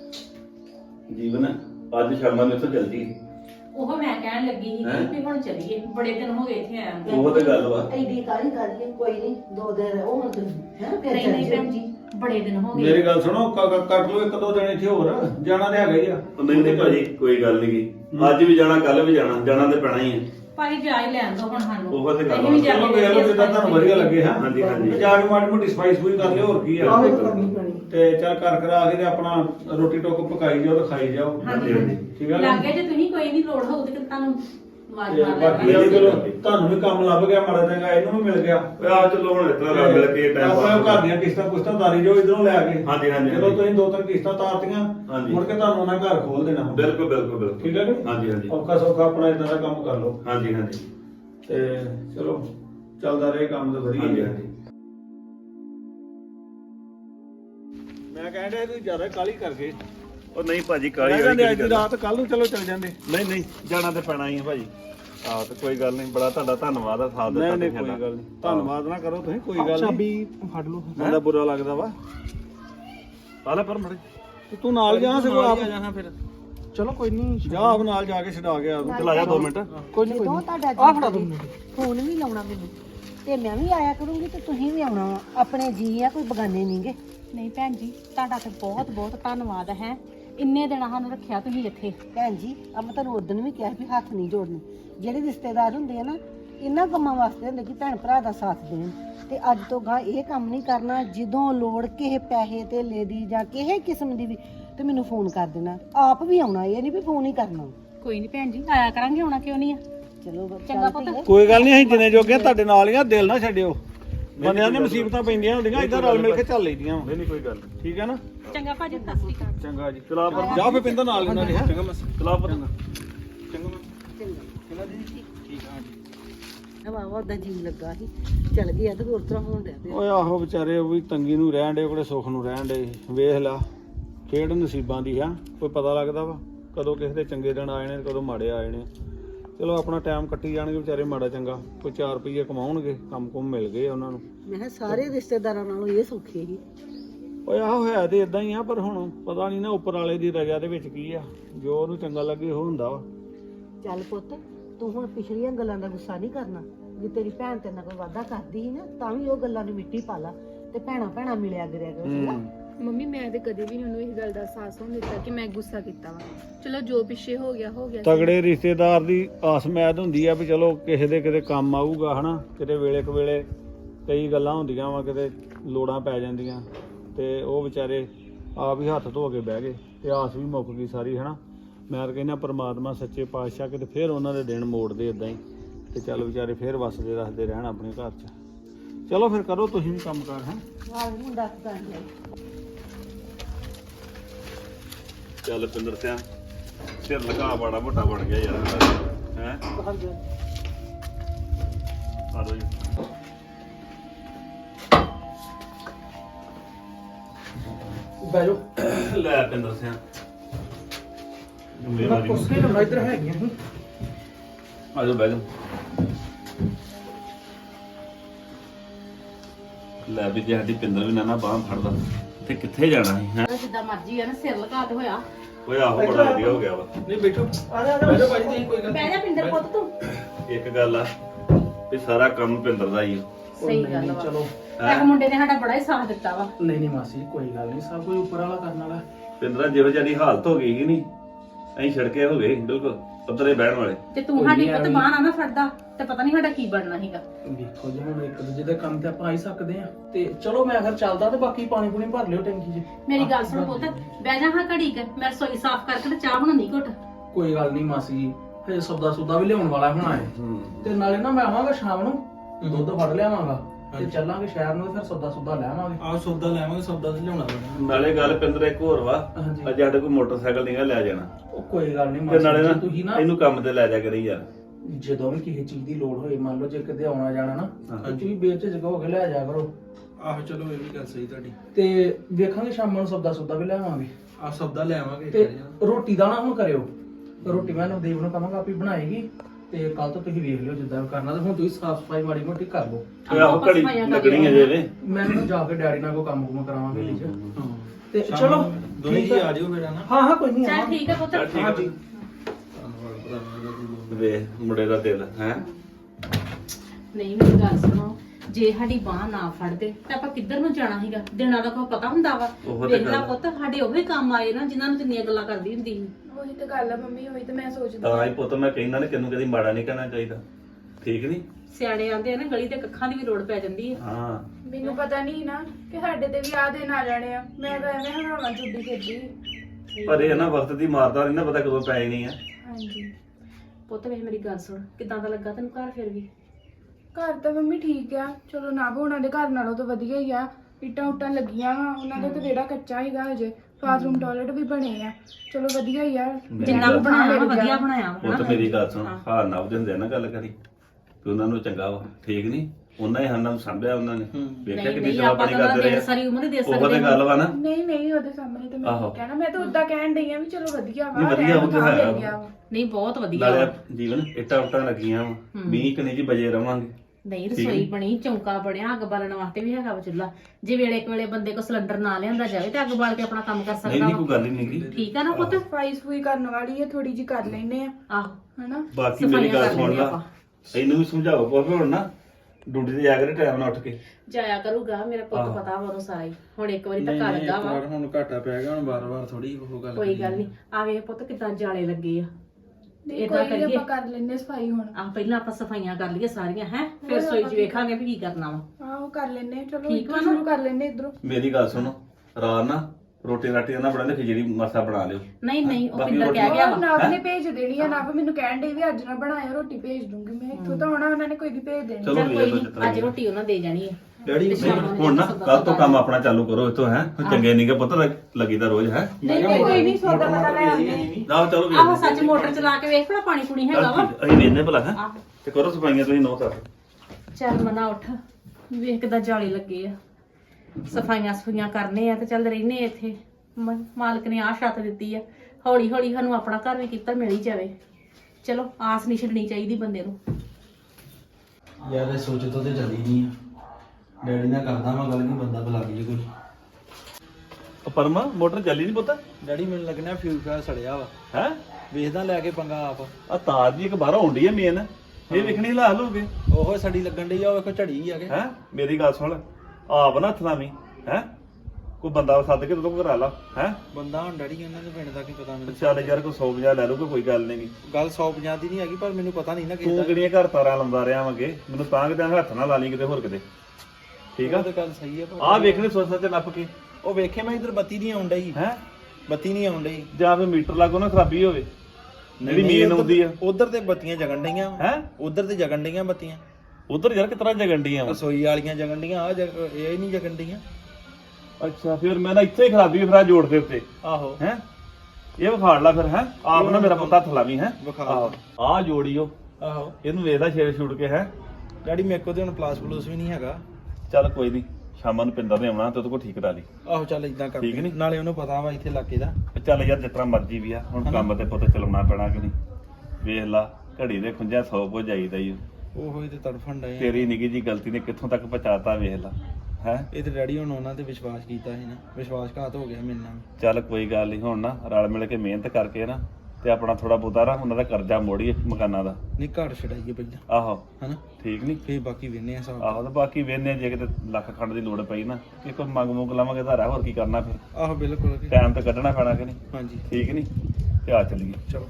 [SPEAKER 2] ਜੀਵਨ ਅੱਜ ਸ਼ਰਮਾ ਨੇ ਇੱਥੋਂ ਜਲਦੀ।
[SPEAKER 4] ਉਹ ਮੈਂ ਕਹਿਣ ਲੱਗੀ ਸੀ
[SPEAKER 2] ਹੈਂ?
[SPEAKER 4] ਕਿ ਹੁਣ ਚੱਲੀਏ, ਬੜੇ ਦਿਨ ਹੋ ਗਏ ਇੱਥੇ ਆਇਆ ਨੂੰ।
[SPEAKER 2] ਉਹ ਤੇ ਗੱਲ ਵਾ।
[SPEAKER 5] ਐਡੀ ਕਾਹਲੀ ਕਰੀਏ, ਕੋਈ ਨਹੀਂ 2 ਦਿਨ ਉਹ ਹੁਣ ਹੈ ਫਿਰ
[SPEAKER 4] ਨਹੀਂ ਨਹੀਂ ਭੈਣ ਜੀ, ਬੜੇ ਦਿਨ ਹੋ
[SPEAKER 1] ਮੇਰੀ
[SPEAKER 4] ਗਏ।
[SPEAKER 1] ਗੱਲ ਸੁਣੋ, ਕੱਟ ਲਓ 1-2 ਦਿਨ ਇੱਥੇ ਹੋਰ, ਜਾਣਾ ਤੇ ਹੈਗਾ ਹੀ ਆ।
[SPEAKER 2] ਨਹੀਂ ਨਹੀਂ ਭਾਜੀ ਕੋਈ ਗੱਲ ਨਹੀਂ ਗੀ, ਅੱਜ ਵੀ ਜਾਣਾ ਕੱਲ ਵੀ ਜਾਣਾ, ਜਾਣਾ ਤੇ ਪੈਣਾ ਹੀ ਹੈ।
[SPEAKER 4] ਭਾਈ ਜਾ ਹੀ ਲੈਣ ਦੋ ਹੁਣ ਸਾਨੂੰ।
[SPEAKER 2] ਉਹ ਤੇ ਗੱਲ
[SPEAKER 4] ਅਸੀਂ ਵੀ ਜਾ
[SPEAKER 1] ਚਲੋ
[SPEAKER 4] ਕੇ
[SPEAKER 1] ਵੇਖ ਲਓ ਜਿੱਦਾਂ ਤੁਹਾਨੂੰ ਵਧੀਆ ਲੱਗੇ ਹਾਂ।
[SPEAKER 2] ਹਾਂਜੀ, ਹਾਂਜੀ।
[SPEAKER 1] ਤੇ ਜਾ ਕੇ ਮਾੜੀ ਮੋਟੀ ਸਫਾਈ ਸਫੂਈ ਕਰ ਲਿਓ, ਹੋਰ ਕੀ ਆ।
[SPEAKER 3] ਆਹੋ ਕਰਨੀ ਪੈਣੀ।
[SPEAKER 1] ਤੇ ਚੱਲ ਕਰ ਕਰਾ ਕੇ ਤੇ ਆਪਣਾ ਰੋਟੀ ਟੋਕ ਪਕਾਈ ਜਾਓ ਤੇ ਖਾਈ ਜਾਓ।
[SPEAKER 4] ਹਾਂਜੀ
[SPEAKER 2] ਹਾਂਜੀ।
[SPEAKER 1] ਠੀਕ ਆ ਨਾ?
[SPEAKER 4] ਲੱਗੇ ਜੇ ਤੁਸੀਂ ਕੋਈ ਨਹੀਂ ਲੋੜ ਹੋਊ ਤੇ ਤੁਹਾਨੂੰ ਆਵਾਜ਼
[SPEAKER 1] ਤੇ
[SPEAKER 4] ਮਾਰ
[SPEAKER 1] ਬਾਕੀ ਇਹ
[SPEAKER 4] ਲੈਣਾ।
[SPEAKER 1] ਚਲੋ ਤੁਹਾਨੂੰ ਵੀ ਕੰਮ ਲੱਭ ਗਿਆ ਮਾੜਾ ਚੰਗਾ, ਇਹਨੂੰ ਵੀ ਮਿਲ ਗਿਆ।
[SPEAKER 2] ਆ ਚਲੋ ਹੁਣ ਇਸ ਤਰ੍ਹਾਂ ਰਲ ਮਿਲ ਕੇ ਟਾਈਮ
[SPEAKER 1] ਆਪਾਂ ਘਰ ਦੀਆਂ ਕਿਸ਼ਤਾਂ ਕੁਸ਼ਤਾਂ ਤਾਰੀ ਜਾਓ ਇਧਰੋਂ ਲੈ ਕੇ।
[SPEAKER 2] ਹਾਂਜੀ, ਹਾਂਜੀ,
[SPEAKER 1] ਜਦੋਂ
[SPEAKER 2] ਹਾਂਜੀ।
[SPEAKER 1] ਤੁਸੀਂ 2-3 ਕਿਸ਼ਤਾਂ ਤਾਰਤੀਆਂ
[SPEAKER 2] ਹਾਂਜੀ।
[SPEAKER 1] ਮੁੜ ਕੇ ਤੁਹਾਨੂੰ ਉਹਨਾਂ ਘਰ ਖੋਲ ਦੇਣਾ।
[SPEAKER 2] ਬਿਲਕੁਲ ਬਿਲਕੁਲ ਬਿਲਕੁਲ।
[SPEAKER 1] ਠੀਕ ਹੈ ਕਿ ਨਹੀਂ?
[SPEAKER 2] ਹਾਂਜੀ ਹਾਂਜੀ।
[SPEAKER 1] ਔਖਾ ਸੌਖਾ ਆਪਣਾ ਇਦਾਂ ਦਾ ਕੰਮ ਕਰ ਲਓ।
[SPEAKER 2] ਹਾਂਜੀ ਹਾਂਜੀ।
[SPEAKER 1] ਤੇ ਚਲੋ ਚੱਲਦਾ ਰਹੇ ਕੰਮ ਤਾਂ ਵਧੀਆ
[SPEAKER 2] ਹਾਂਜੀ
[SPEAKER 1] ਹੀ ਆ।
[SPEAKER 2] ਹਾਂਜੀ।
[SPEAKER 1] ਮੈਂ ਕਹਿਣ ਡਿਆ ਤੁਸੀਂ ਜ਼ਿਆਦਾ ਕਾਹਲੀ ਕਰ ਗਏ।
[SPEAKER 2] ਉਹ ਨਹੀਂ ਭਾਜੀ
[SPEAKER 1] ਰਹਿ ਜਾਂਦੇ ਅੱਜ ਦੀ ਰਾਤ, ਕੱਲ ਨੂੰ ਚਲੋ ਚੱਲ ਜਾਂਦੇ।
[SPEAKER 2] ਨਹੀਂ ਨਹੀਂ ਜਾਣਾ ਤੇ ਪੈਣਾ ਹੀ ਹੈ ਭਾਜੀ। ਆਹ ਤੇ ਕੋਈ ਗੱਲ ਨਹੀਂ, ਬੜਾ ਤੁਹਾਡਾ ਧੰਨਵਾਦ ਆ ਸਾਥ ਦਿੱਤਾ
[SPEAKER 1] ਨਹੀਂ
[SPEAKER 2] ਤੁਸੀਂ
[SPEAKER 1] ਕੋਈ
[SPEAKER 2] ਸਾਡਾ।
[SPEAKER 1] ਗੱਲ ਨਹੀਂ, ਧੰਨਵਾਦ ਨਾ ਕਰੋ ਤੁਸੀਂ, ਕੋਈ ਗੱਲ ਨਹੀਂ।
[SPEAKER 3] ਚਾਬੀ ਫੜ ਲਓ।
[SPEAKER 1] ਮੈਨੂੰ ਬੁਰਾ ਲੱਗਦਾ ਵਾ।
[SPEAKER 2] ਆਲਾ ਪਰ ਮੜੇ
[SPEAKER 1] ਤੇ ਤੂੰ ਨਾਲ ਜਾ, ਸਗੋਂ ਆਪ
[SPEAKER 3] ਜਾਣਾ ਫਿਰ। ਚਲੋ ਕੋਈ ਨਹੀਂ।
[SPEAKER 1] ਜਾ, ਆਪ ਨਾਲ ਜਾ ਕੇ ਛਡਾ ਕੇ ਆ ਤੂੰ।
[SPEAKER 2] ਚਲਾ ਜਾ 2 ਮਿੰਟ।
[SPEAKER 3] ਕੋਈ ਨਹੀਂ
[SPEAKER 5] ਜਦੋਂ ਤੁਹਾਡਾ
[SPEAKER 3] ਆਹ ਫੜਾ ਦੋ
[SPEAKER 5] ਜੀ
[SPEAKER 3] ਮੈਨੂੰ।
[SPEAKER 5] ਫੋਨ ਵੀ ਲਾਉਣਾ ਮੈਨੂੰ, ਤੇ ਮੈਂ ਵੀ ਆਇਆ ਕਰੂੰਗੀ ਤੇ ਤੁਸੀਂ ਵੀ ਆਉਣਾ ਵਾ। ਆਪਣੇ ਜੀ ਆ, ਕੋਈ ਬਗਾਨੇ ਨਹੀਂਗੇ।
[SPEAKER 4] ਨਹੀਂ ਭੈਣ ਜੀ, ਤੁਹਾਡਾ ਤੇ ਬਹੁਤ ਬਹੁਤ ਧੰਨਵਾਦ ਹੈ। ਇੰਨੇ ਦਿਨ ਸਾਨੂੰ ਰੱਖਿਆ ਤੁਸੀਂ ਇੱਥੇ।
[SPEAKER 5] ਭੈਣ ਜੀ ਆ ਮੈਂ ਤੁਹਾਨੂੰ ਉਦੋਂ ਵੀ ਕਿਹਾ ਵੀ ਹੱਥ ਨਹੀਂ ਜੋੜਨੇ। ਜਿਹੜੇ ਰਿਸ਼ਤੇਦਾਰ ਹੁੰਦੇ ਆ ਨਾ, ਇਹਨਾਂ ਕੰਮਾਂ ਵਾਸਤੇ ਹੁੰਦੇ ਕਿ ਭੈਣ ਭਰਾ ਦਾ ਸਾਥ ਦੇਣ। ਤੇ ਅੱਜ ਤੋਂ ਗਾਂ ਇਹ ਕੰਮ ਨਹੀਂ ਕਰਨਾ। ਜਦੋਂ ਲੋੜ ਕਿਸੇ ਪੈਸੇ ਧੇਲੇ ਦੀ ਜਾਂ ਕਿਸੇ ਕਿਸਮ ਦੀ ਵੀ, ਤੇ ਮੈਨੂੰ ਫੋਨ ਕਰ ਦੇਣਾ। ਆਪ ਵੀ ਆਉਣਾ, ਇਹ ਨਹੀਂ ਵੀ ਫੋਨ ਹੀ ਕਰਨਾ।
[SPEAKER 4] ਕੋਈ ਨਹੀਂ ਭੈਣ ਜੀ, ਆਇਆ ਕਰਾਂਗੇ, ਆਉਣਾ ਕਿਉਂ ਨਹੀਂ ਆ।
[SPEAKER 5] ਚਲੋ
[SPEAKER 4] ਚੰਗਾ ਪੁੱਤ।
[SPEAKER 5] ਧੀਏ।
[SPEAKER 1] ਕੋਈ ਗੱਲ ਨਹੀਂ, ਅਸੀਂ ਜਿੰਨੇ ਜੋਗੇ ਤੁਹਾਡੇ ਨਾਲ ਹੀ ਆ, ਦਿਲ ਨਾ ਛੱਡਿਓ। ਬੰਦਿਆਂ ਨੇ ਮੁਸੀਬਤਾਂ ਪੈਂਦੀਆਂ ਹੁੰਦੀਆਂ, ਇਦਾਂ ਰਲ ਮਿਲ ਕੇ ਚੱਲ ਲਈਦੀਆਂ ਵਾ।
[SPEAKER 2] ਨਹੀਂ ਨਹੀਂ ਕੋਈ ਗੱਲ ਨਹੀਂ।
[SPEAKER 1] ਠੀਕ ਹੈ ਨਾ।
[SPEAKER 4] ਚੰਗਾ ਭਾਜੀ, ਸਤਿ ਸ੍ਰੀ ਅਕਾਲ।
[SPEAKER 1] ਚੰਗਾ ਜੀ।
[SPEAKER 2] ਚਲਾ ਪਰ
[SPEAKER 1] ਜਾ ਫੇ ਪਿੰਦਰ ਨਾਲ ਇਹਨਾਂ ਦੇ।
[SPEAKER 2] ਚੰਗਾ ਮਸ ਚਲਾ ਪਰ
[SPEAKER 1] ਚੰਗਾ
[SPEAKER 5] ਚੰਗਾ
[SPEAKER 1] ਜੀ। ਠੀਕ ਆ ਜੀ।
[SPEAKER 5] ਹਵਾ ਉਹਦਾ ਜੀ ਲੱਗਾ ਸੀ, ਚੱਲ ਗਿਆ ਤੇ ਹੋਰ ਤਰ੍ਹਾਂ ਹੋਣ ਡਿਆ ਪਿਆ।
[SPEAKER 1] ਓਏ ਆਹੋ ਵਿਚਾਰੇ, ਉਹ ਵੀ ਤੰਗੀ ਨੂੰ ਰਹਿਣ ਡੇ, ਕੋਲੇ ਸੁੱਖ ਨੂੰ ਰਹਿਣ ਡੇ। ਵੇਖ ਲਾ ਖੇਡ ਨਸੀਬਾਂ ਦੀ ਆ, ਕੋਈ ਪਤਾ ਲੱਗਦਾ ਵਾ ਕਦੋਂ ਕਿਸੇ ਦੇ ਚੰਗੇ ਦਿਨ ਆਏ ਨੇ, ਕਦੋਂ ਮਾੜੇ ਆਏ ਨੇ। ਚਲੋ ਆਪਣਾ ਟਾਈਮ ਕੱਟੀ ਜਾਣਗੇ ਵਿਚਾਰੇ, ਮਾੜਾ ਚੰਗਾ ਕੋਈ 4 ਰੁਪਏ ਕਮਾਉਣਗੇ, ਕੰਮ ਕੁਮ ਮਿਲ ਗਏ ਉਹਨਾਂ ਨੂੰ।
[SPEAKER 5] ਮੈਂ ਕਿਹਾ ਸਾਰੇ ਰਿਸ਼ਤੇਦਾਰਾਂ ਨਾਲੋਂ ਇਹ ਸੌਖੇ ਸੀ।
[SPEAKER 1] ਓਏ ਆਹੋ ਹੈ ਤੇ ਇਦਾਂ ਹੀ ਆ, ਪਰ ਹੁਣ ਪਤਾ ਨਹੀਂ ਨਾ ਉੱਪਰ ਵਾਲੇ ਦੀ ਰਜਾ ਦੇ ਵਿੱਚ ਕੀ ਆ। ਜੋ ਉਹਨੂੰ ਚੰਗਾ ਲੱਗੇ ਉਹ ਹੁੰਦਾ ਵਾ।
[SPEAKER 5] ਚੱਲ ਪੁੱਤ, ਤੂੰ ਹੁਣ ਪਿਛਲੀਆਂ ਗੱਲਾਂ ਦਾ ਗੁੱਸਾ ਨਹੀਂ ਕਰਨਾ। ਜੇ ਤੇਰੀ ਭੈਣ ਤੇਰੇ ਨਾਲ ਕੋਈ ਵਾਅਦਾ ਕਰਦੀ ਸੀ ਨਾ, ਤਾਂ ਵੀ ਉਹ ਗੱਲਾਂ ਨੂੰ ਮਿੱਟੀ ਪਾ ਲਾ ਤੇ ਭੈਣਾ ਮਿਲਿਆ ਕਰਿਆ ਕਰੋ। ਚੰਗਾ।
[SPEAKER 6] ਮੰਮੀ ਮੈਂ ਤੇ ਕਦੇ ਵੀ ਨੀ ਉਹਨੂੰ ਇਸ ਗੱਲ ਦਾ ਅਹਿਸਾਸ ਹੋਣ ਦਿੱਤਾ ਕਿ ਮੈਂ ਗੁੱਸਾ ਕੀਤਾ ਵਾ। ਚਲੋ ਜੋ ਪਿੱਛੇ ਹੋ ਗਿਆ ਹੋ ਗਿਆ।
[SPEAKER 1] ਤਗੜੇ ਰਿਸ਼ਤੇਦਾਰ ਦੀ ਆਸ ਮੈਦ ਹੁੰਦੀ ਆ ਵੀ ਚਲੋ ਕਿਸੇ ਦੇ ਕਿਤੇ ਕੰਮ ਆਊਗਾ ਹਨਾ। ਕਿਤੇ ਵੇਲੇ ਕਵੇਲੇ ਕਈ ਗੱਲਾਂ ਹੁੰਦੀਆਂ ਵਾ, ਕਿਤੇ ਲੋੜਾਂ ਪੈ ਜਾਂਦੀਆਂ, ਤੇ ਉਹ ਵਿਚਾਰੇ ਆਪ ਹੀ ਹੱਥ ਧੋ ਕੇ ਬਹਿ ਗਏ ਤੇ ਆਸ ਵੀ ਮੁੱਕ ਗਈ ਸਾਰੀ ਹਨਾ। ਮੈਂ ਤਾਂ ਕਹਿੰਦਾ ਪਰਮਾਤਮਾ ਸੱਚੇ ਪਾਤਸ਼ਾਹ ਕਿਤੇ ਫੇਰ ਉਹਨਾਂ ਦੇ ਦਿਨ ਮੋੜਦੇ ਇਦਾਂ ਹੀ, ਤੇ ਚੱਲ ਵਿਚਾਰੇ ਫੇਰ ਵਸਦੇ ਰੱਖਦੇ ਰਹਿਣ ਆਪਣੇ ਘਰ 'ਚ। ਚਲੋ ਫਿਰ ਕਰੋ ਤੁਸੀਂ ਵੀ ਕੰਮ ਕਾਰ। ਹੈ
[SPEAKER 5] ਆਹ ਮੁੰਡਾ ਕਰ ਲਿਆ।
[SPEAKER 2] ਚੱਲ ਪਿੰਦਰ ਸਿਆ ਸਿਰ ਲਗਾ ਬੜਾ ਮੋਟਾ ਬਣ ਗਿਆ ਯਾਰ ਹੈ। ਆ ਲੋ ਜੀ।
[SPEAKER 3] ਬੈਜੋ।
[SPEAKER 2] ਲੈ ਪਿੰਦਰ ਸਿਆ
[SPEAKER 3] ਮੈਂ ਕੁਰਸੀ ਨਾ ਇੱਧਰ ਹੈਗੀਆਂ ਸੀ।
[SPEAKER 2] ਆ ਜਾਓ ਬਹਿ ਜਾਓ। ਲੈ ਵੀ ਜੇ ਸਾਡੀ ਪਿੰਦਰ ਵੀ ਨਾ ਬਾਹ ਫੜਦਾ ਤੇ ਕਿੱਥੇ ਜਾਣਾ ਸੀ ਹੈ।
[SPEAKER 4] ਜਿੱਦਾਂ ਮਰਜ਼ੀ ਆ ਨਾ, ਸਿਰ ਲਗਾ ਤੇ ਹੋਇਆ।
[SPEAKER 2] ਓਏ ਆਹੋ ਬੜਾ ਵਧੀਆ ਹੋ ਗਿਆ ਵਾ।
[SPEAKER 3] ਨਹੀਂ ਬੈਠੋ ਆ ਜਾ ਬੈਠੋ ਭਾਜੀ ਤੁਸੀਂ ਕੋਈ ਗੱਲ
[SPEAKER 4] ਬਹਿ ਜਾ ਪਿੰਦਰ ਪੁੱਤ ਤੂੰ।
[SPEAKER 2] ਇੱਕ ਗੱਲ ਆ ਵੀ ਸਾਰਾ ਕੰਮ ਪਿੰਦਰ ਦਾ ਹੀ ਆ।
[SPEAKER 4] ਸਹੀ ਗੱਲ ਵਾ।
[SPEAKER 3] ਚਲੋ
[SPEAKER 4] ਇੱਕ ਮੁੰਡੇ ਨੇ ਸਾਡਾ ਬੜਾ ਹੀ ਸਾਥ ਦਿੱਤਾ ਵਾ।
[SPEAKER 3] ਨਹੀਂ ਮਾਸੀ ਕੋਈ ਗੱਲ ਨਹੀਂ, ਸਭ ਕੁਝ ਉੱਪਰ ਵਾਲਾ ਕਰਨ ਵਾਲਾ।
[SPEAKER 2] ਪਿੰਦਰਾ ਜਿਹੋ ਜਿਹੀ ਹਾਲਤ ਹੋ ਗਈ ਸੀ ਨਹੀਂ, ਅਸੀਂ ਛੜਕੇ ਹੋ ਗਏ ਬਿਲਕੁਲ ਉੱਧਰੇ ਬਹਿਣ ਵਾਲੇ।
[SPEAKER 4] ਤੇ ਤੂੰ ਸਾਡੀ ਪੁੱਤ ਬਾਂਹ ਨਾ ਫੜਦਾ ਤੇ ਪਤਾ ਨਹੀਂ ਸਾਡਾ ਕੀ ਬਣਨਾ ਸੀਗਾ।
[SPEAKER 3] ਵੇਖੋ ਜੀ ਹੁਣ ਇੱਕ ਦੂਜੇ ਦੇ ਕੰਮ ਤੇ ਆਪਾਂ ਆ ਹੀ ਸਕਦੇ ਆ। ਤੇ ਚਲੋ ਮੈਂ ਫਿਰ ਚੱਲਦਾ ਤੇ ਬਾਕੀ ਪਾਣੀ ਪੂਣੀ ਭਰ ਲਿਓ ਟੈਂਕੀ 'ਚ।
[SPEAKER 4] ਮੇਰੀ ਗੱਲ ਸੁਣ ਪੁੱਤ, ਬਹਿ ਜਾ ਹਾਂ ਘੜੀ ਕਰ, ਮੈਂ ਰਸੋਈ ਸਾਫ਼ ਕਰਕੇ ਤੇ ਚਾਹ ਬਣਾਉਣੀ ਘੁੱਟ।
[SPEAKER 3] ਕੋਈ ਗੱਲ ਨਹੀਂ ਮਾਸੀ ਜੀ, ਹਜੇ ਸੌਦਾ ਸੁਦਾ ਵੀ ਲਿਆਉਣ ਵਾਲਾ ਹੋਣਾ ਹੈ। ਤੇ ਨਾਲੇ ਨਾ ਮੈਂ ਆਵਾਂਗਾ ਸ਼ਾਮ ਨੂੰ, ਦੁੱਧ ਫੜ ਲਿਆਵਾਂਗਾ ਤੇ ਚੱਲਾਂਗੇ ਸ਼ਹਿਰ ਨੂੰ, ਫਿਰ ਸੌਦਾ ਸੁਦਾ ਲੈਵਾਂਗੇ। ਆਹ ਸੌਦਾ ਲੈਵਾਂਗੇ, ਸੌਦਾ ਤੇ ਲਿਆਉਣਾ ਪੈਣਾ।
[SPEAKER 2] ਨਾਲੇ ਗੱਲ ਪਿੰਦਰ ਇੱਕ ਹੋਰ ਵਾ,
[SPEAKER 3] ਹਾਂਜੀ।
[SPEAKER 2] ਅੱਜ ਸਾਡੇ ਕੋਲ ਮੋਟਰਸਾਈਕਲ ਨਹੀਂਗਾ ਲੈ ਜਾਣਾ।
[SPEAKER 3] ਉਹ ਕੋਈ ਗੱਲ ਨਹੀਂ
[SPEAKER 2] ਤੇ ਨਾਲੇ
[SPEAKER 3] ਮਾਸੀ
[SPEAKER 2] ਨਾ
[SPEAKER 3] ਜੀ, ਤੁਸੀਂ ਨਾ
[SPEAKER 2] ਇਹਨੂੰ ਕੰਮ ਤੇ ਲੈ ਜਾ ਕਰੀ ਯਾਰ।
[SPEAKER 3] ਜਦੋਂ ਵੀ ਕਿਸੇ ਚੀਜ਼ ਦੀ ਲੋੜ ਹੋਏ, ਮੰਨ ਲਓ ਜੇ ਕਿਤੇ ਆਉਣਾ ਜਾਣਾ ਨਾ, ਤੁਸੀਂ ਵੀ ਬੇਝਿਜਕ ਹੋ ਕੇ ਲੈ ਜਾ ਕਰੋ। ਆਹੋ ਚਲੋ ਇਹ ਵੀ ਗੱਲ ਸਹੀ ਤੁਹਾਡੀ। ਤੇ ਵੇਖਾਂਗੇ ਸ਼ਾਮ ਨੂੰ ਸੌਦਾ ਸੁਦਾ ਵੀ ਲੈਵਾਂਗੇ। ਆ ਸੌਦਾ ਲੈ ਆਵਾਂਗੇ। ਤੇ ਰੋਟੀ ਦਾ ਨਾ ਹੁਣ ਕਰਿਓ, ਰੋਟੀ ਮੈਂ ਨਵਦੀਪ ਨੂੰ ਕਹਾਂਗਾ ਆਪੀ ਬਣਾਏਗੀ। ਤੇ ਕੱਲ ਤੋਂ ਤੁਸੀਂ ਵੇਖ ਲਿਓ ਜਿੱਦਾਂ ਕਰਨਾ, ਤੇ ਹੁਣ ਤੁਸੀਂ ਸਾਫ ਸਫਾਈ ਮਾੜੀ ਮੋਟੀ ਕਰ ਲਓ।
[SPEAKER 2] ਤੇ ਆਹੋ ਘੜੀ ਲੱਗਣੀ ਅਜੇ ਨੇ।
[SPEAKER 3] ਮੈਂ ਨਾ ਜਾ ਕੇ ਡੈਡੀ ਨਾਲ ਕੋਈ ਕੰਮ ਕੁਮ ਕਰਾਵਾਂਗੇ ਜੀ। ਤੇ ਚਲੋ ਦੋਨੇ ਜੀ ਆ ਜਿਓ ਫਿਰ ਨਾ। ਹਾਂ ਹਾਂ ਕੋਈ ਨਹੀਂ
[SPEAKER 4] ਚੱਲ ਠੀਕ ਹੈ ਪੁੱਤ।
[SPEAKER 2] ਹਾਂ ਜੀ। ਵੇ ਮੁੰਡੇ ਦਾ ਦਿਲ ਹੈ।
[SPEAKER 4] ਨਹੀਂ ਮੇਰੀ ਗੱਲ ਸੁਣੋ, ਜੇ ਸਾਡੀ ਬਾਹ ਨਾ ਫੜਦੇ ਤਾਂ ਆਪਾਂ ਕਿੱਧਰ ਨੂੰ ਜਾਣਾ ਸੀਗਾ? ਦਿਨਾਂ ਦਾ ਕੋਈ ਪਤਾ ਹੁੰਦਾ ਵਾ।
[SPEAKER 2] ਉਹ ਤੇ
[SPEAKER 4] ਵੇਖ ਲਾ
[SPEAKER 2] ਗੱਲ।
[SPEAKER 4] ਪੁੱਤ, ਸਾਡੇ ਉਹੀ ਕੰਮ ਆਏ ਨਾ ਜਿਨ੍ਹਾਂ ਨੂੰ ਕਿੰਨੀਆਂ ਗੱਲਾਂ ਕਰਦੀ ਹੁੰਦੀ ਸੀ।
[SPEAKER 6] ਉਹੀ ਤਾਂ ਗੱਲ ਆ ਮੰਮੀ, ਉਹੀ ਤਾਂ ਮੈਂ ਸੋਚਦੀ
[SPEAKER 2] ਤਾਂ ਹੀ ਪੁੱਤ ਮੈਂ ਕਹਿੰਦਾ ਨੇ ਕਿੰਨੂੰ ਕਦੀ ਮਾੜਾ ਨਹੀਂ ਕਹਿਣਾ ਚਾਹੀਦਾ, ਠੀਕ ਨਹੀਂ?
[SPEAKER 4] ਸਿਆਣੇ ਆਂਦੇ ਆ ਨਾ, ਗਲੀ ਤੇ ਕੱਖਾਂ ਦੀ ਵੀ ਲੋੜ ਪੈ ਜਾਂਦੀ ਹੈ।
[SPEAKER 2] ਹਾਂ
[SPEAKER 6] ਮੈਨੂੰ ਪਤਾ ਨਹੀਂ ਨਾ ਕਿ ਸਾਡੇ ਤੇ ਵੀ ਆ ਦਿਨ ਆ ਜਾਣੇ ਆ। ਮੈਂ ਤਾਂ ਐਵੇਂ ਹਰਾਵਾਂ ਚੁੱਡੀ ਫਿਰਦੀ।
[SPEAKER 2] ਪਰ ਇਹ ਨਾ ਵਕਤ ਦੀ ਮਾਰਦਾ ਨਹੀਂ ਨਾ ਪਤਾ ਕਦੋਂ ਪੈ ਜਾਣੀ ਆ।
[SPEAKER 6] ਹਾਂਜੀ
[SPEAKER 4] ਪੁੱਤ ਵੇਖ ਮੇਰੀ ਗੱਲ ਸੁਣ, ਕਿੱਦਾਂ ਦਾ ਲੱਗਾ ਤੈਨੂੰ ਘਰ ਫਿਰ ਵੀ?
[SPEAKER 6] ਘਰ ਤਾਂ ਮੰਮੀ ਠੀਕ ਆ, ਚਲੋ ਨਾ ਉਹਨਾਂ ਦੇ ਘਰ ਨਾਲੋਂ ਤਾਂ ਵਧੀਆ ਹੀ ਆ। ਇੱਟਾਂ ਉੱਟਾਂ ਲੱਗੀਆਂ ਵਾ, ਉਹਨਾਂ ਦਾ ਤਾਂ ਵਿਹੜਾ ਕੱਚਾ ਹੀਗਾ ਹਜੇ। ਬਾਥਰੂਮ ਟਾਇਲਟ ਵੀ ਬਣੇ ਆ, ਚਲੋ ਵਧੀਆ ਹੀ ਆ।
[SPEAKER 4] ਜਿੰਨਾ ਕੁ ਬਣਾਇਆ ਵਾ, ਵਧੀਆ ਬਣਾਇਆ ਵਾ
[SPEAKER 2] ਪੁੱਤ
[SPEAKER 4] ਨਾ।
[SPEAKER 2] ਮੇਰੀ ਗੱਲ ਸੁਣ, ਹਾਰ ਨਾ ਉਹਦੇ ਹੁੰਦੇ ਆ ਨਾ ਗੱਲ ਕਰੀ ਕਿ ਉਹਨਾਂ ਨੂੰ ਚੰਗਾ ਵਾ, ਠੀਕ ਨਹੀਂ? ਉਹਨਾਂ ਹੀ ਸਾਨੂੰ ਸੰਭਿਆ, ਉਹਨਾਂ ਨੇ ਵੇਖਿਆ
[SPEAKER 4] ਨਹੀਂ
[SPEAKER 2] ਕਿੰਨੀ
[SPEAKER 4] ਨਹੀਂ,
[SPEAKER 2] ਸੇਵਾ
[SPEAKER 4] ਆਪਾਂ
[SPEAKER 2] ਪਾਣੀ
[SPEAKER 4] ਤਾਂ
[SPEAKER 2] ਕਰਦੇ
[SPEAKER 4] ਦੇਰ
[SPEAKER 2] ਰਹੇ।
[SPEAKER 4] ਸਾਰੀ ਉਮਰ ਹੀ ਦੇ
[SPEAKER 2] ਉਹ
[SPEAKER 4] ਸਕਦੇ
[SPEAKER 2] ਤੇ ਗੱਲ ਵਾ ਨਾ।
[SPEAKER 6] ਨਹੀਂ ਉਹਦੇ ਸਾਹਮਣੇ ਤਾਂ
[SPEAKER 2] ਆਹੋ।
[SPEAKER 6] ਮੈਂ ਕਹਿਣਾ, ਮੈਂ ਤਾਂ ਉਦਾਂ ਕਹਿਣ ਡਈ ਆ ਵੀ ਚਲੋ ਵਧੀਆ ਵਾ।
[SPEAKER 2] ਨਹੀਂ, ਵਧੀਆ ਉਹ ਤਾਂ
[SPEAKER 6] ਰਹਿਣ ਨੂੰ
[SPEAKER 2] ਹੈ।
[SPEAKER 6] ਮਿਲ ਗਿਆ ਵਾ।
[SPEAKER 4] ਨਹੀਂ ਬਹੁਤ ਵਧੀਆ
[SPEAKER 2] ਨਾਲੇ
[SPEAKER 4] ਵਾ।
[SPEAKER 2] ਜੀਵਨ ਇੱਟਾਂ ਉੱਟਾਂ ਲੱਗੀਆਂ ਵਾ, ਮੀਂਹ ਕਨੇ ਜੀ ਬਜੇ ਰਵਾਂਗੇ।
[SPEAKER 4] ਨਹੀਂ ਰਸੋਈ ਬਣੀ, ਚੌਂਕਾ ਬਣਿਆ, ਅੱਗ ਬਾਲਣ ਵਾਸਤੇ ਵੀ ਹੈਗਾ ਵਾ ਚੁੱਲ੍ਹਾ। ਜੇ ਵੇਲੇ ਇੱਕ ਵੇਲੇ ਬੰਦੇ ਕੋ ਸਿਲੰਡਰ ਨਾ ਲਿਆਂਦਾ ਜਾਵੇ ਤੇ ਅੱਗ ਬਾਲ ਕੇ ਆਪਣਾ ਕੰਮ ਕਰ
[SPEAKER 2] ਨਹੀਂ
[SPEAKER 4] ਸਕਦਾ
[SPEAKER 2] ਨਹੀਂ
[SPEAKER 4] ਵਾ।
[SPEAKER 2] ਕੋਈ ਗੱਲ ਹੀ ਨਹੀਂ।
[SPEAKER 4] ਠੀਕ ਆ ਨਾ ਪੁੱਤ?
[SPEAKER 6] ਸਫਾਈ ਸਫੂਈ ਕਰਨ ਵਾਲੀ ਹੈ, ਥੋੜੀ ਜੀ ਕਰ ਲੈਨੇ ਆ
[SPEAKER 4] ਆਹੋ
[SPEAKER 6] ਹਨਾ।
[SPEAKER 2] ਬਾਕੀ ਮੇਰੀ
[SPEAKER 4] ਸਫਾਈਆਂ
[SPEAKER 2] ਗੱਲ
[SPEAKER 4] ਕਰ
[SPEAKER 2] ਸੁਣ
[SPEAKER 4] ਲੈਂਦੇ
[SPEAKER 2] ਲਾ,
[SPEAKER 4] ਆਪਾਂ।
[SPEAKER 2] ਇਹਨੂੰ ਵੀ ਸਮਝਾਓ ਪਵੇ ਹੁਣ ਨਾ ਡਿਊਟੀ ਤੇ ਜਾ ਕੇ ਟਾਈਮ ਨਾਲ ਉੱਠ ਕੇ।
[SPEAKER 4] ਜਾਇਆ ਕਰੂਗਾ ਮੇਰਾ ਪੁੱਤ, ਪਤਾ ਵਾ ਉਹਨੂੰ ਸਾਰਾ ਹੀ। ਹੁਣ ਇੱਕ ਵਾਰੀ ਧੱਕਾ ਲੱਗਾ ਵਾ,
[SPEAKER 3] ਹੁਣ ਘਾਟਾ ਪੈ ਗਿਆ, ਹੁਣ ਵਾਰ-ਵਾਰ ਥੋੜੀ ਉਹ ਗੱਲ।
[SPEAKER 4] ਕੋਈ ਗੱਲ ਨਹੀਂ। ਆ ਵੇਖ ਪੁੱਤ ਕਿੱਦਾਂ ਜਾਲੇ ਲੱਗੇ ਆ।
[SPEAKER 6] ਨਹੀਂ
[SPEAKER 4] ਏਦਾਂ
[SPEAKER 6] ਕੋਈ ਨੀ,
[SPEAKER 4] ਕਰੀਏ।
[SPEAKER 6] ਆਪਾਂ ਕਰ ਲੈਨੇ ਸਫਾਈ ਹੁਣ।
[SPEAKER 4] ਪਹਿਲਾਂ ਆਪਾਂ ਸਫਾਈਆਂ ਕਰ ਲਈਏ ਸਾਰੀਆਂ, ਹੈ ਫਿਰ ਰਸੋਈ 'ਚ ਵੇਖਾਂਗੇ ਵੀ ਕੀ ਕਰਨਾ ਵਾ।
[SPEAKER 6] ਆਹੋ ਕਰ ਲੈਨੇ, ਚਲੋ
[SPEAKER 4] ਠੀਕ
[SPEAKER 6] ਇੱਧਰੋਂ
[SPEAKER 4] ਵਾ ਨਾ?
[SPEAKER 6] ਸ਼ੁਰੂ ਕਰ ਲੈਨੇ ਇਧਰੋਂ।
[SPEAKER 2] ਮੇਰੀ ਗੱਲ ਸੁਣੋ, ਰਾਤ ਨਾ ਰੋਟੀ ਰਾਟੀ ਨਾ ਬਣਾ ਲਿਓ, ਖਿਚੜੀ ਮਸਾ ਬਣਾ ਲਿਓ।
[SPEAKER 4] ਨਹੀਂ ਨਹੀਂ, ਉਹ
[SPEAKER 2] ਬਾਕੀ
[SPEAKER 4] ਪਿੰਦਰ
[SPEAKER 2] ਰੋਟੀ-
[SPEAKER 4] ਕਹਿ ਗਿਆ ਵਾ।
[SPEAKER 6] ਨਾਬ ਨੇ ਭੇਜ ਦੇਣੀ ਆ। ਨਾਬ ਮੈਨੂੰ ਕਹਿਣ ਦੇ ਵੀ ਅੱਜ ਨਾ ਬਣਾਇਓ, ਰੋਟੀ ਭੇਜ ਦੂੰਗੀ ਮੈਂ। ਇੱਥੋਂ ਤਾਂ ਆਉਣਾ ਉਹਨਾਂ ਨੇ, ਕੋਈ ਨਹੀਂ ਭੇਜ ਦੇਣੀ।
[SPEAKER 2] ਚਲੋ
[SPEAKER 4] ਚੱਲ
[SPEAKER 2] ਵੇਖ
[SPEAKER 4] ਕੋਈ
[SPEAKER 2] ਲਓ
[SPEAKER 4] ਨੀ,
[SPEAKER 2] ਜਿੱਤਨਾ
[SPEAKER 4] ਅੱਜ ਰੋਟੀ ਉਹਨਾਂ ਦੇ ਜਾਣੀ ਆ।
[SPEAKER 2] ਡੈਡੀ
[SPEAKER 4] ਤੇ ਸ਼ਾਮ ਨੂੰ
[SPEAKER 2] ਹੁਣ ਨਾ
[SPEAKER 4] ਸੌਦਾ
[SPEAKER 2] ਕੱਲ ਤੋਂ
[SPEAKER 4] ਕਰ
[SPEAKER 2] ਕੰਮ ਆਪਣਾ ਚਾਲੂ ਕਰੋ ਇੱਥੋਂ, ਹੈ ਚੰਗੇ ਨਹੀਂਗੇ ਪੁੱਤ ਲੱਗੀਦਾ ਰੋਜ਼, ਹੈ
[SPEAKER 6] ਨਹੀਂ ਕੋਈ ਨਹੀਂ, ਸੌਦਾ ਪਤਾ ਲੈ ਆਉਂਦੇ।
[SPEAKER 2] ਆਹ ਚਲੋ ਵੇਖ
[SPEAKER 4] ਆਹੋ
[SPEAKER 2] ਲਓ।
[SPEAKER 4] ਸੱਚ, ਮੋਟਰ ਚਲਾ ਕੇ ਵੇਖ ਭਲਾ ਪਾਣੀ ਪੂਣੀ ਹੈਗਾ ਵਾ।
[SPEAKER 2] ਅਸੀਂ ਵੇਖਨੇ ਭਲਾ, ਹੈ
[SPEAKER 4] ਆਹੋ
[SPEAKER 2] ਤੇ ਕਰੋ ਸਫਾਈਆਂ ਤੁਸੀਂ ਨੋ ਕਰ।
[SPEAKER 4] ਚੱਲ ਮਨਾ ਉੱਠ, ਵੇਖ ਕਿੱਦਾਂ ਜਾਲੇ ਲੱਗੇ ਆ। ਸਫਾਈਆਂ ਸਫਾਈਆਂ ਕਰਨੇ ਆ ਤੇ ਚੱਲ ਰਹਿਨੇ ਆ ਇੱਥੇ। ਮਾਲਕ ਨੇ ਆਹ ਛੱਤ ਦਿੱਤੀ ਆ, ਹੌਲੀ ਹੌਲੀ ਸਾਨੂੰ ਆਪਣਾ ਘਰ ਵੀ ਕੀਤਾ ਮਿਲ ਹੀ ਜਾਵੇ। ਚਲੋ ਆਸ ਨਹੀਂ ਛੱਡਣੀ ਚਾਹੀਦੀ ਬੰਦੇ ਨੂੰ।
[SPEAKER 3] ਯਾਰ ਇਹ ਸੋਚ ਤੋਂ ਤੇ ਚੱਲੀ ਨਹੀਂ ਆ। ਡੈਡੀ ਨਾਲ ਕਰਦਾ ਮੈਂ ਗੱਲ, ਨਹੀਂ ਬੰਦਾ ਬੁਲਾ ਕੇ ਕੁਝ।
[SPEAKER 2] ਪਰਮਾ ਮੋਟਰ ਚੱਲੀ ਨਹੀਂ ਪੁੱਤ,
[SPEAKER 3] ਡੈਡੀ ਮੈਨੂੰ ਲੱਗਣਾ ਫਿਊਜ਼ ਫਾਇਰ ਸੜਿਆ ਵਾ।
[SPEAKER 2] ਹੈ
[SPEAKER 3] ਵੇਖਦਾ ਲੈ ਕੇ ਪੰਗਾ ਆਪ।
[SPEAKER 2] ਆ ਤਾਰ ਜੀ ਇੱਕ ਬਾਹਰੋਂ ਆਉਂਦੀ ਹੈ ਮੇਨ, ਇਹ ਵੇਖਣੀ ਹਾਲ ਹੋ ਗਏ।
[SPEAKER 3] ਉਹੋ ਸੜੀ ਲੱਗਣ ਡਈ ਆ, ਉਹ ਵੇਖੋ ਝੜੀ ਆ ਕੇ।
[SPEAKER 2] ਹੈ ਮੇਰੀ ਗੱਲ ਸੁਣ, ਆਪ ਨਾ ਹੱਥ ਲਾਵੀਂ, ਹੈ ਕੋਈ ਬੰਦਾ ਸੱਦ ਕੇ ਤੂੰ ਕਰਾ ਲਾ, ਹੈ
[SPEAKER 3] ਬੰਦਾ ਹੁਣ ਡੈਡੀ ਇਹਨਾਂ ਦੇ ਪਿੰਡ ਦਾ ਕੀ ਪਤਾ ਮੈਨੂੰ।
[SPEAKER 2] ਚੱਲ ਯਾਰ ਕੋਈ 150 ਲੈ ਲਊਗਾ, ਕੋਈ ਗੱਲ ਨਹੀਂ।
[SPEAKER 3] ਗੱਲ 150 ਦੀ ਨਹੀਂ ਹੈਗੀ, ਪਰ ਮੈਨੂੰ ਪਤਾ ਨਹੀਂ ਨਾ
[SPEAKER 2] ਤੂੰ ਕਿਹੜੀਆਂ ਘਰ ਤਾਰਾਂ ਲਾਉਂਦਾ ਰਿਹਾ ਵਾਂਗੇ, ਮੈਨੂੰ ਤਾਂ ਕਿਤੇ ਹੱਥ ਨਾ ਲਾ ਲਈ ਕਿਤੇ ਹੋਰ ਕਿਤੇ, ਠੀਕ ਆ?
[SPEAKER 3] ਉਹ ਤਾਂ ਗੱਲ ਸਹੀ ਆ।
[SPEAKER 2] ਆਹ ਵੇਖਣੇ ਸੋਚ ਸੱਚ ਨੱਪ ਕੇ,
[SPEAKER 3] ਉਹ ਵੇਖੇ ਮੈਂ ਇੱਧਰ ਬੱਤੀ ਨਹੀਂ ਆਉਣ ਡਈ।
[SPEAKER 2] ਹੈ
[SPEAKER 3] ਬੱਤੀ ਨਹੀਂ ਆਉਣ ਡਈ।
[SPEAKER 2] ਜਾਂ ਫਿਰ ਮੀਟਰ ਲੱਗੋ ਨਾ ਖਰਾਬੀ ਹੋਵੇ, ਜਿਹੜੀ ਮੇਨ ਆਉਂਦੀ ਆ।
[SPEAKER 3] ਉਧਰ ਤੇ ਬੱਤੀਆਂ ਜਗਣ ਡਈਆਂ।
[SPEAKER 2] ਹੈ
[SPEAKER 3] ਉਧਰ ਤੇ ਜਗਣ ਡਈਆਂ ਬੱਤੀਆਂ।
[SPEAKER 2] ਉਧਰ ਯਾਰ ਕਿਤਨਾ ਜਗੰਡੀਆਂ ਵਾ।
[SPEAKER 3] ਰਸੋਈ ਵਾਲੀਆਂ ਜਗਣ ਡੀਆਂ, ਆ ਇਹ ਨਹੀਂ ਜਗਣ ਡੀਆਂ।
[SPEAKER 2] ਅੱਛਾ ਫਿਰ ਮੈਂ ਨਾ ਇੱਥੇ ਹੀ ਖਰਾਬੀ ਫਿਰ ਜੋੜ ਦੇ ਉੱਤੇ,
[SPEAKER 3] ਆਹੋ
[SPEAKER 2] ਹੈ ਇਹ ਵਿਖਾੜ ਲਾ ਫਿਰ, ਹੈ ਆਪ ਨਾ ਮੇਰਾ ਪੁੱਤ ਹੱਥ ਲਾਵੀਂ, ਹੈ
[SPEAKER 3] ਵਿਖਾ।
[SPEAKER 2] ਆਹ ਜੋੜੀਓ,
[SPEAKER 3] ਆਹੋ
[SPEAKER 2] ਇਹਨੂੰ ਵੇਖਦਾ ਛੇੜ ਛੁੱਟ ਕੇ, ਹੈ
[SPEAKER 3] ਡੈਡੀ ਮੇਰੇ ਕੋਲ ਤੇ ਹੁਣ ਪਲਾਸ ਪਲੂਸ ਵੀ ਨਹੀਂ ਹੈਗਾ।
[SPEAKER 2] ਚੱਲ ਕੋਈ ਨਹੀਂ, ਸ਼ਾਮਾਂ ਨੂੰ ਪਿੰਡਾਂ ਤੇ ਆਉਣਾ ਤੇ ਉਹਦੇ ਕੋਲ ਠੀਕ ਕਰਾ ਲਈ।
[SPEAKER 3] ਆਹੋ ਚੱਲ ਇਦਾਂ ਕਰ,
[SPEAKER 2] ਠੀਕ ਨੀ?
[SPEAKER 3] ਨਾਲੇ ਉਹਨੂੰ ਪਤਾ ਵਾ ਇੱਥੇ ਇਲਾਕੇ ਦਾ।
[SPEAKER 2] ਚੱਲ ਯਾਰ ਜਿਸ ਤਰ੍ਹਾਂ ਮਰਜ਼ੀ ਵੀ ਆ, ਹੁਣ ਕੰਮ ਤੇ ਪੁੱਤ ਚਲਾਉਣਾ ਪੈਣਾ ਕਿ ਨਹੀਂ। ਵੇਖ ਲਾ ਘੜੀ ਦੇ ਖੁੰਝਾ 100 ਕੋ ਜਾਈਦਾ ਹੀ।
[SPEAKER 3] ਉਹੋ ਹੀ ਤੇ ਤੜਫਣ ਡਏ ਆ।
[SPEAKER 2] ਤੇਰੀ ਨਿੱਕੀ ਜੀ ਗਲਤੀ ਨੇ ਕਿੱਥੋਂ ਤੱਕ ਪਹੁੰਚਾਤਾ, ਵੇਖ ਲਾ। ਹੈ
[SPEAKER 3] ਇਹ ਤੇ ਡੈਡੀ ਹੁਣ ਉਹਨਾਂ ਤੇ ਵਿਸ਼ਵਾਸ ਕੀਤਾ ਸੀ ਨਾ, ਵਿਸ਼ਵਾਸਘਾਤ ਹੋ ਗਿਆ ਮੇਰੇ ਨਾਲ।
[SPEAKER 2] ਚੱਲ ਕੋਈ ਗੱਲ ਨਹੀਂ, ਹੁਣ ਨਾ ਰਲ ਮਿਲ ਕੇ ਮਿਹਨਤ ਕਰਕੇ ਨਾ ਤੇ ਆਪਣਾ ਥੋੜਾ ਬਹੁਤਾ ਨਾ ਉਹਨਾਂ ਦਾ ਕਰਜ਼ਾ ਮੋੜੀਏ ਮਕਾਨਾਂ ਦਾ।
[SPEAKER 3] ਨਹੀਂ ਘਰ ਛਡਾਈਏ ਪਹਿਲਾਂ,
[SPEAKER 2] ਆਹੋ
[SPEAKER 3] ਹਨਾ,
[SPEAKER 2] ਠੀਕ ਨਹੀਂ?
[SPEAKER 3] ਫੇਰ ਬਾਕੀ ਵੇਨੇ ਆ ਹਿਸਾਬ।
[SPEAKER 2] ਆਹੋ ਤੇ ਬਾਕੀ ਵੇਨੇ ਜੇ ਕਿਤੇ ਲੱਖ ਖੰਡ ਦੀ ਲੋੜ ਪਈ ਨਾ ਕਿ ਕੋਈ ਮੰਗ ਮੁੰਗ ਲਾਵਾਂਗੇ ਧਾਰਾ, ਹੋਰ ਕੀ ਕਰਨਾ ਫਿਰ,
[SPEAKER 3] ਆਹੋ ਬਿਲਕੁਲ।
[SPEAKER 2] ਟਾਈਮ ਤਾਂ ਕੱਢਣਾ ਪੈਣਾ ਕਿ ਨਹੀਂ?
[SPEAKER 3] ਹਾਂਜੀ
[SPEAKER 2] ਠੀਕ ਨਹੀਂ? ਤੇ ਆ ਚੱਲੀਏ।
[SPEAKER 3] ਚਲੋ।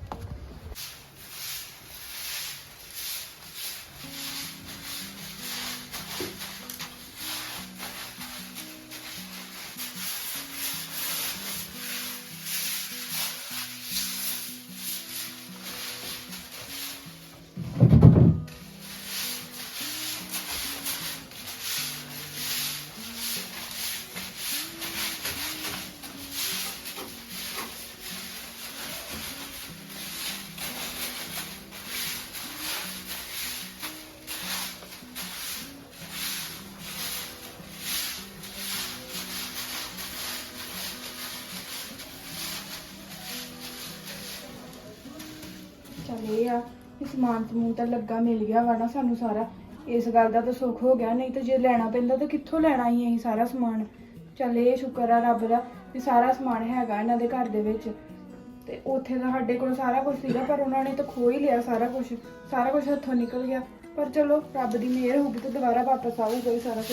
[SPEAKER 6] ਚੱਲ ਇਹ ਆ ਕਿ ਸਮਾਨ ਸਮੂਨ ਤਾਂ ਲੱਗਾ ਮਿਲ ਗਿਆ ਵਾ ਨਾ ਸਾਨੂੰ ਸਾਰਾ, ਇਸ ਗੱਲ ਦਾ ਤਾਂ ਸੁੱਖ ਹੋ ਗਿਆ, ਨਹੀਂ ਤਾਂ ਜੇ ਲੈਣਾ ਪੈਂਦਾ ਤਾਂ ਕਿੱਥੋਂ ਲੈਣਾ ਹੀ ਅਸੀਂ ਸਾਰਾ ਸਮਾਨ। ਚੱਲ ਇਹ ਸ਼ੁਕਰ ਆ ਰੱਬ ਦਾ ਵੀ ਸਾਰਾ ਸਮਾਨ ਹੈਗਾ ਇਹਨਾਂ ਦੇ ਘਰ ਦੇ ਵਿੱਚ, ਤੇ ਉੱਥੇ ਤਾਂ ਸਾਡੇ ਕੋਲ ਸਾਰਾ ਕੁਝ ਸੀਗਾ ਪਰ ਉਹਨਾਂ ਨੇ ਤਾਂ ਖੋ ਹੀ ਲਿਆ ਸਾਰਾ ਕੁਝ ਹੱਥੋਂ ਨਿਕਲ ਗਿਆ। ਪਰ ਚਲੋ ਰੱਬ ਦੀ ਮਿਹਰ ਹੋਊਗੀ ਤਾਂ ਦੁਬਾਰਾ ਵਾਪਸ ਆਊਗਾ ਹੀ ਸਾਰਾ ਕੁਝ।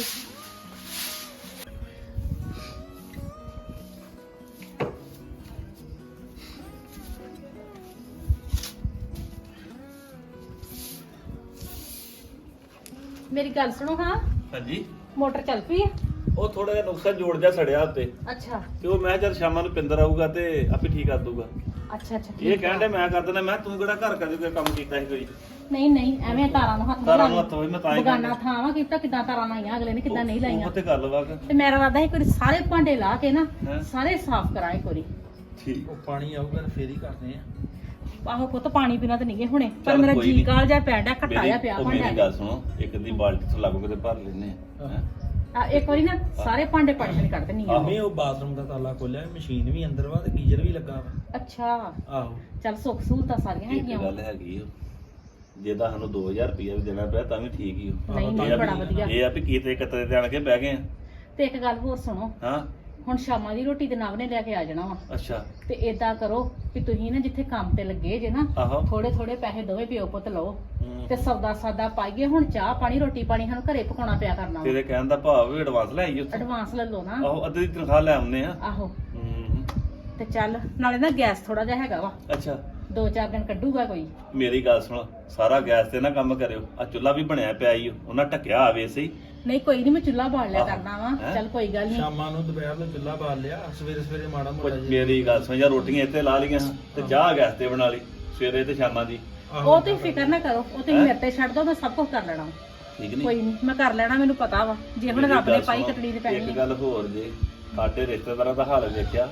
[SPEAKER 4] ਮੇਰੀ ਗੱਲ ਸੁਣੋ ਹਾਂ,
[SPEAKER 2] ਹਾਂਜੀ।
[SPEAKER 4] ਮੋਟਰ ਚੱਲ ਪਈ ਆ?
[SPEAKER 2] ਉਹ ਥੋੜਾ ਜਿਹਾ ਨੁਕਸਾ ਜੋੜ ਜਾ ਸੜਿਆ ਉੱਤੇ,
[SPEAKER 4] ਅੱਛਾ
[SPEAKER 2] ਤੇ ਉਹ ਮੈਂ ਚੱਲ ਸ਼ਾਮਾਂ ਨੂੰ ਪਿੰਦਰ ਆਊਗਾ ਤੇ ਆਪੇ ਠੀਕ ਕਰ ਦੂਗਾ।
[SPEAKER 4] ਅੱਛਾ ਅੱਛਾ
[SPEAKER 2] ਇਹ ਕਹਿੰਦੇ ਮੈਂ ਕਰ ਦਿੰਦਾ, ਮੈਂ ਤੂੰ ਕਿਹੜਾ ਘਰ ਕਦੇ ਕੋਈ ਕੰਮ ਕੀਤਾ ਸੀ ਕੋਈ?
[SPEAKER 4] ਨਹੀਂ ਐਵੇਂ ਤਾਰਾਂ ਨੂੰ ਹੱਥ ਨਾ
[SPEAKER 2] ਤਾਰਾਂ ਨੂੰ
[SPEAKER 4] ਲਾ
[SPEAKER 2] ਹੱਥ ਹੋਈ, ਮੈਂ ਤਾਂ ਹੀ
[SPEAKER 4] ਬਗਾਨਾ ਥਾਂ ਵਾ ਕੀਤਾ ਕਿਦਾਂ ਤਾਰਾਂ ਲਾਈਆਂ ਅਗਲੇ ਨੇ ਕਿਦਾਂ ਨਹੀਂ ਲਾਈਆਂ।
[SPEAKER 2] ਉਹ ਤੇ ਗੱਲ ਵਾ ਕਿ
[SPEAKER 4] ਤੇ ਮੇਰਾ ਇਰਾਦਾ ਹੈ ਕੋਈ ਸਾਰੇ ਭਾਂਡੇ ਲਾ ਕੇ ਨਾ
[SPEAKER 2] ਹੈਂ?
[SPEAKER 4] ਸਾਰੇ ਸਾਫ਼ ਕਰਾਂਗੇ ਕੋਈ।
[SPEAKER 2] ਠੀਕ।
[SPEAKER 3] ਉਹ ਪਾਣੀ ਆਊਗਾ ਤਾਂ ਫੇਰ ਹੀ ਕਰਦੇ ਆ।
[SPEAKER 4] ਆਹੋ ਪੁੱਤ ਪਾਣੀ ਪੀਣਾ ਤਾਂ ਨਹੀਂ ਹੁਣੇ, ਪਰ
[SPEAKER 2] ਚੱਲ
[SPEAKER 4] ਮੇਰਾ
[SPEAKER 2] ਕੋਈ
[SPEAKER 4] ਜੀ
[SPEAKER 2] ਨੀ।
[SPEAKER 4] ਕਾਲ ਜਾ ਪੈਂਦਾ ਘਟਾਇਆ ਪਿਆ
[SPEAKER 2] ਮੇਰੀ
[SPEAKER 4] ਭਾਂਡਾ।
[SPEAKER 2] ਗੱਲ ਸੁਣੋ, ਇੱਕ ਦੀ ਬਾਲਟੀ ਤੋਂ ਲੱਗੋ ਕਿਤੇ ਭਰ ਲੈਨੇ ਆ ਹੈਂ?
[SPEAKER 4] ਇੱਕ ਵਾਰੀ ਨਾ ਸਾਰੇ ਭਾਂਡੇ ਪਾਣੀ ਨਾਲ ਕੱਢ ਦੇਣੀ ਆ।
[SPEAKER 3] ਨਹੀਂ ਉਹ ਬਾਥਰੂਮ ਦਾ ਤਾਲਾ ਖੋਲਿਆ, ਮਸ਼ੀਨ ਵੀ ਅੰਦਰ ਵਾ ਤੇ ਗੀਜ਼ਰ ਵੀ ਲੱਗਾ ਵਾ।
[SPEAKER 4] ਅੱਛਾ
[SPEAKER 3] ਆਹੋ
[SPEAKER 4] ਚੱਲ ਸੁੱਖ ਸਹੂਲਤਾਂ ਸਾਰੀਆਂ
[SPEAKER 2] ਇੱਕ
[SPEAKER 4] ਹੈਗੀਆਂ
[SPEAKER 2] ਗੱਲ ਹੈਗੀ ਓ, ਜੇ ਤਾਂ ਸਾਨੂੰ 2000 ਰੁਪਇਆ ਵੀ ਦੇਣਾ ਪਿਆ ਤਾਂ ਵੀ ਠੀਕ ਹੀ ਹੋ।
[SPEAKER 4] ਨਹੀਂ ਨਹੀਂ ਬੜਾ ਵਧੀਆ।
[SPEAKER 2] ਇਹ ਆ ਵੀ ਕੀਤੇ ਕਿਤੇ ਤੇ ਆਣ ਕੇ ਬਹਿ ਗਏ ਆ।
[SPEAKER 4] ਤੇ ਇੱਕ ਗੱਲ ਹੋਰ ਸੁਣੋ,
[SPEAKER 2] ਹਾਂ
[SPEAKER 4] ਹੁਣ ਸ਼ਾਮਾਂ ਦੀ ਰੋਟੀ ਤੇ ਨਵ ਨੇ ਲੈ ਕੇ ਆ ਜਾਣਾ ਵਾ,
[SPEAKER 2] ਅੱਛਾ।
[SPEAKER 4] ਤੇ ਏਦਾਂ ਕਰੋ ਕਿ ਤੁਸੀਂ ਨਾ ਜਿੱਥੇ ਕੰਮ ਤੇ ਲੱਗੇ ਜੇ ਨਾ
[SPEAKER 2] ਆਹੋ
[SPEAKER 4] ਥੋੜੇ ਪੈਸੇ ਦੋਵੇਂ ਪਿਓ ਪੁੱਤ ਲਓ
[SPEAKER 2] ਹੂੰ।
[SPEAKER 4] ਤੇ ਸੌਦਾ ਸਾਦਾ ਪਾਈਏ। ਹੁਣ ਚਾਹ ਪਾਣੀ ਰੋਟੀ ਪਾਣੀ ਸਾਨੂੰ ਘਰੇ ਪਕਾਉਣਾ ਪਿਆ ਕਰਨਾ ਵਾ।
[SPEAKER 2] ਤੇਰੇ ਕਹਿਣ ਦਾ ਭਾਵ ਵੀ ਐਡਵਾਂਸ ਲੈ ਆਈ ਉੱਥੇ।
[SPEAKER 4] ਐਡਵਾਂਸ ਲੈ ਲਓ ਨਾ।
[SPEAKER 2] ਆਹੋ ਅੱਧੀ ਦੀ ਤਨਖਾਹ ਲੈ ਆਉਂਦੇ ਆ।
[SPEAKER 4] ਆਹੋ
[SPEAKER 2] ਹੂੰ।
[SPEAKER 4] ਤੇ ਚੱਲ ਨਾਲੇ ਨਾ ਗੈਸ ਥੋੜਾ ਜਿਹਾ ਹੈਗਾ ਵਾ,
[SPEAKER 2] ਅੱਛਾ
[SPEAKER 4] 2-4 ਦਿਨ ਕੱਢੂਗਾ ਕੋਈ।
[SPEAKER 2] ਮੇਰੀ ਗੱਲ ਸੁਣ, ਸਾਰਾ ਗੈਸ ਤੇ ਨਾ ਕੰਮ ਕਰਿਓ, ਆ ਚੁੱਲ੍ਹਾ ਵੀ ਬਣਿਆ ਪਿਆ ਈ ਓ, ਉਹਨਾਂ ਢੱਕਿਆ ਆਵੇ ਸਹੀ।
[SPEAKER 4] ਨਹੀਂ ਕੋਈ ਨਹੀਂ, ਮੈਂ ਚੁੱਲ੍ਹਾ ਬਾਲ ਲਿਆ ਕਰਨਾ ਵਾ।
[SPEAKER 2] ਹੈਂ?
[SPEAKER 4] ਚੱਲ ਕੋਈ ਗੱਲ ਨਹੀਂ।
[SPEAKER 3] ਸ਼ਾਮਾਂ ਨੂੰ ਦੁਪਹਿਰ ਨੂੰ ਚੁੱਲ੍ਹਾ ਬਾਲ ਲਿਆ, ਸਵੇਰੇ ਮਾੜਾ
[SPEAKER 2] ਕੁਝ
[SPEAKER 3] ਮੋਟਾ ਜਿਹਾ।
[SPEAKER 2] ਮੇਰੀ ਗੱਲ ਸੁਣ, ਜਾਂ ਰੋਟੀਆਂ ਇੱਥੇ ਲਾ ਲਈਆਂ ਤੇ ਚਾਹ ਗੈਸ ਤੇ ਬਣਾ ਲਈ ਸਵੇਰੇ ਤੇ ਸ਼ਾਮਾਂ ਦੀ।
[SPEAKER 4] ਉਹ ਤੁਸੀਂ ਫਿਕਰ ਨਾ ਕਰੋ, ਉਹ ਤੁਸੀਂ ਮੇਰੇ ਤੇ ਛੱਡ ਦੋ, ਮੈਂ ਸਭ ਕੁਝ ਕਰ ਲੈਣਾ ਵਾ।
[SPEAKER 2] ਠੀਕ ਨਹੀਂ?
[SPEAKER 4] ਕੋਈ ਨਹੀਂ ਮੈਂ ਕਰ ਲੈਣਾ, ਮੈਨੂੰ ਪਤਾ ਵਾ ਜੇ ਹੁਣ
[SPEAKER 2] ਮੇਰੀ
[SPEAKER 4] ਰੱਬ ਨੇ
[SPEAKER 2] ਗੱਲ
[SPEAKER 4] ਪਾਈ
[SPEAKER 2] ਸੁਣੋ,
[SPEAKER 4] ਕਤੜੀ ਦੀ ਪੈਣੀ
[SPEAKER 2] ਇੱਕ
[SPEAKER 4] ਹੈ।
[SPEAKER 2] ਗੱਲ ਹੋਰ ਜੇ, ਸਾਡੇ ਰਿਸ਼ਤੇਦਾਰਾਂ ਦਾ ਹਾਲ ਵੇਖਿਆ,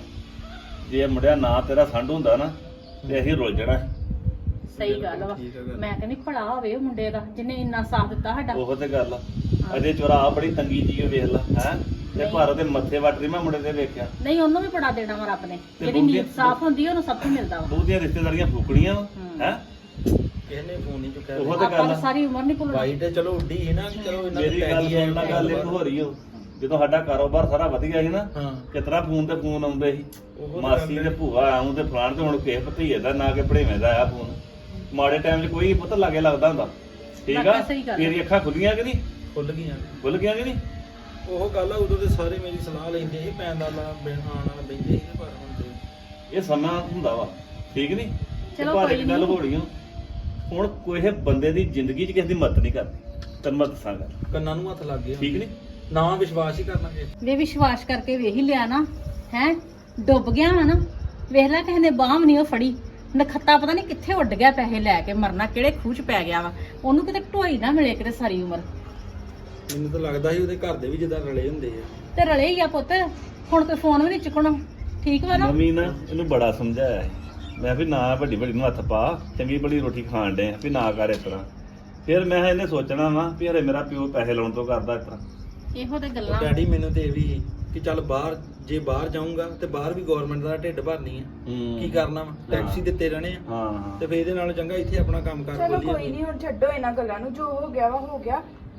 [SPEAKER 2] ਜੇ ਮੁੰਡਿਆ ਨਾ ਤੇਰਾ ਸੰਡ ਹੁੰਦਾ ਨਾ ਤੇ ਅਸੀਂ ਰੁੱਲ ਜਾਣਾ ਸੀ।
[SPEAKER 4] ਸਹੀ ਗੱਲ ਵਾ।
[SPEAKER 3] ਠੀਕ ਆ ਗੱਲ।
[SPEAKER 4] ਮੈਂ ਕਹਿੰਦੀ ਭਲਾ ਹੋਵੇ ਉਹ ਮੁੰਡੇ ਦਾ ਜਿਹਨੇ ਇੰਨਾ ਸਾਥ ਦਿੱਤਾ ਸਾਡਾ।
[SPEAKER 2] ਉਹ ਤੇ ਗੱਲ ਆ। ਅਜੇ ਚੋਰਾ ਬੜੀ ਤੰਗੀ ਜੀ ਵੇਖ ਲਾ ਹੈ ਤੇ
[SPEAKER 4] ਨਹੀਂ।
[SPEAKER 2] ਭਾਰਤ ਦੇ ਮੱਥੇ ਵੱਟ ਰਹੀ ਮੈਂ ਮੁੰਡੇ ਤੇ ਵੇਖਿਆ।
[SPEAKER 4] ਨਹੀਂ ਉਹਨੂੰ ਵੀ ਬੜਾ ਦੇਣਾ ਵਾ ਰੱਬ ਨੇ,
[SPEAKER 2] ਤੇ
[SPEAKER 4] ਜਿਹੜੀ
[SPEAKER 2] ਬੁੱਢੀ-
[SPEAKER 4] ਨੀਤ ਸਾਫ਼ ਹੁੰਦੀ ਆ ਉਹਨੂੰ ਸਭ ਕੁਝ ਮਿਲਦਾ ਵਾ।
[SPEAKER 2] ਬਹੁਤੀਆਂ ਰਿਸ਼ਤੇਦਾਰੀਆਂ ਫੂਕਣੀਆਂ ਹੈ।
[SPEAKER 3] ਕਿਸੇ ਨੇ ਫੋਨ ਨਹੀਂ ਚੁੱਕਿਆ।
[SPEAKER 2] ਉਹ ਤੇ
[SPEAKER 4] ਆਪਾਂ
[SPEAKER 2] ਗੱਲ
[SPEAKER 4] ਤਾਂ
[SPEAKER 2] ਆ।
[SPEAKER 4] ਸਾਰੀ ਉਮਰ ਨਹੀਂ ਭੁੱਲਣਾ।
[SPEAKER 3] ਵਾਈਟ ਚਲੋ ਉੱਡੀ ਸੀ ਨਾ ਕਿ ਚਲੋ ਇਹਨਾਂ
[SPEAKER 2] ਮੇਰੀ ਗੱਲ ਸੁਣ ਲਾ, ਗੱਲ ਇੱਕ ਹੋ ਰਹੀ ਓ, ਜਦੋਂ ਸਾਡਾ ਕਾਰੋਬਾਰ ਸਾਰਾ ਵਧੀਆ ਸੀ ਨਾ,
[SPEAKER 3] ਹਾਂ
[SPEAKER 2] ਕਿਤਨਾ ਫੋਨ ਤੇ ਫੋਨ ਆਉਂਦੇ ਸੀ,
[SPEAKER 3] ਉਹ
[SPEAKER 2] ਮਾਸੀ ਤੇ ਭੂਆ ਆਉਂ ਤੇ ਫਲਾਣ ਤੇ ਹੁਣ ਕਿਸੇ ਭਤੀਏ ਦਾ ਨਾ ਕਿ ਭੜੇਵੇਂ ਦਾ ਆਇਆ ਫੋਨ। ਮਾੜੇ ਟਾਈਮ 'ਚ ਕੋਈ ਪੁੱਤ ਲਾਗੇ ਲੱਗਦਾ ਹੁੰਦਾ। ਠੀਕ ਆ,
[SPEAKER 4] ਲੱਗਦਾ, ਸਹੀ ਗੱਲ ਆ।
[SPEAKER 2] ਤੇਰੀ ਅੱਖਾਂ ਖੁੱਲੀਆਂ ਕਿ ਨਹੀਂ?
[SPEAKER 3] ਖੁੱਲ ਗਈਆਂ।
[SPEAKER 2] ਖੁੱਲ ਗਿਆ ਕਿ ਨਹੀਂ?
[SPEAKER 3] ਉਹ ਗੱਲ ਆ, ਉਦੋਂ ਤੇ ਸਾਰੇ ਮੇਰੀ ਸਲਾਹ ਲੈਂਦੇ ਸੀ, ਪੈਣ ਦਾ ਲਾ ਬਿਨ ਆਣ ਨਾਲ ਬੈਠੇ ਸੀ, ਪਰ ਹੁਣ ਤੇ
[SPEAKER 2] ਇਹ ਸਮਾਂ ਹੁੰਦਾ ਵਾ। ਠੀਕ ਨਹੀਂ?
[SPEAKER 4] ਚਲੋ
[SPEAKER 2] ਪਰ
[SPEAKER 4] ਕੋਈ
[SPEAKER 2] ਇੱਕ ਗੱਲ
[SPEAKER 4] ਨੀ।
[SPEAKER 2] ਹੋਣੀ ਓ, ਹੁਣ ਕੋਈ ਬੰਦੇ ਦੀ ਜ਼ਿੰਦਗੀ 'ਚ ਕਿਸੇ ਦੀ ਮਦਦ ਨਹੀਂ ਕਰਦੀ। ਤੈਨੂੰ ਮੈਂ ਦੱਸਾਂਗਾ,
[SPEAKER 3] ਕੰਨਾਂ ਨੂੰ ਹੱਥ ਲੱਗ ਗਏ।
[SPEAKER 2] ਠੀਕ ਨਹੀਂ?
[SPEAKER 3] ਨਾ ਵਿਸ਼ਵਾਸ ਹੀ ਕਰਨਾ ਕਿਸੇ
[SPEAKER 4] ਵੇ ਵਿਸ਼ਵਾਸ ਕਰਕੇ ਵੇਖ ਹੀ ਲਿਆ ਨਾ, ਹੈ ਡੁੱਬ ਗਿਆ ਵਾ ਨਾ। ਵੇਖ ਲੈ ਕਿਸੇ ਨੇ ਬਾਹਮ ਨਹੀਂ ਉਹ ਫੜੀ, ਨਖੱਤਾ ਪਤਾ ਨਹੀਂ ਕਿੱਥੇ ਉੱਡ ਗਿਆ, ਪੈਸੇ ਲੈ ਕੇ ਮਰਨਾ ਕਿਹੜੇ ਖੂਹ 'ਚ ਪੈ ਗਿਆ ਵਾ। ਉਹਨੂੰ ਕਿਤੇ ਢੋਈ ਨਾ ਮਿਲੇ ਕਿਤੇ ਸਾਰੀ ਉਮਰ।
[SPEAKER 3] ਮੈਨੂੰ ਤਾਂ ਲੱਗਦਾ ਸੀ ਉਹਦੇ ਘਰ ਦੇ ਵੀ ਜਿੱਦਾਂ ਰਲੇ ਹੁੰਦੇ ਆ।
[SPEAKER 4] ਤੇ ਰਲੇ ਹੀ ਆ ਪੁੱਤ, ਹੁਣ ਕੋਈ ਫੋਨ ਵੀ ਨਹੀਂ ਚੁੱਕਣਾ। ਠੀਕ ਵਾ ਨਾ?
[SPEAKER 2] ਮੰਮੀ ਨਾ ਇਹਨੂੰ ਬੜਾ ਸਮਝਾਇਆ ਹੈ। ਮੈਂ ਵੀ ਨਾ ਵੱਡੀ ਨੂੰ ਹੱਥ ਪਾ, ਚੰਗੀ ਬੜੀ ਰੋਟੀ ਖਾਣ ਡੇ ਵੀ ਨਾ ਕਰ ਇਸ ਤਰ੍ਹਾਂ। ਫਿਰ ਮੈਂ ਇਹਨੇ ਸੋਚਣਾ ਵਾ ਵੀ ਹਰੇ ਮੇਰਾ ਪਿਓ ਪੈਸੇ ਲਾਉਣ ਤੋਂ ਕਰਦਾ ਇਸ ਤਰ੍ਹਾਂ।
[SPEAKER 4] ਇਹੋ ਤੇ
[SPEAKER 3] ਉਹ
[SPEAKER 4] ਗੱਲਾਂ।
[SPEAKER 3] ਡੈਡੀ ਮੈਨੂੰ ਤੇ ਇਹ ਵੀ ਸੀ ਕਿ ਚੱਲ ਬਾਹਰ, ਜੇ ਬਾਹਰ ਜਾਊਂਗਾ ਤੇ ਬਾਹਰ ਵੀ ਗਵਰਨਮੈਂਟ ਦਾ ਢਿੱਡ ਭਰਨੀ ਹੈ। ਕੀ ਕਰਨਾ ਵਾ, ਟੈਕਸੀ ਦਿੱਤੇ ਰਹਿਣੇ ਆ।
[SPEAKER 2] ਹਾਂ
[SPEAKER 3] ਤੇ ਫੇਰ ਇਹਦੇ ਨਾਲ ਚੰਗਾ ਇੱਥੇ ਆਪਣਾ ਕੰਮ ਕਰ
[SPEAKER 6] ਚਲੋ
[SPEAKER 3] ਖੋਲੀਏ।
[SPEAKER 6] ਕੋਈ ਨਹੀਂ, ਹੁਣ ਛੱਡੋ ਇਹਨਾਂ ਗੱਲਾਂ ਨੂੰ, ਜੋ ਹੋ ਗਿਆ ਵਾ ਹੋ ਗਿਆ।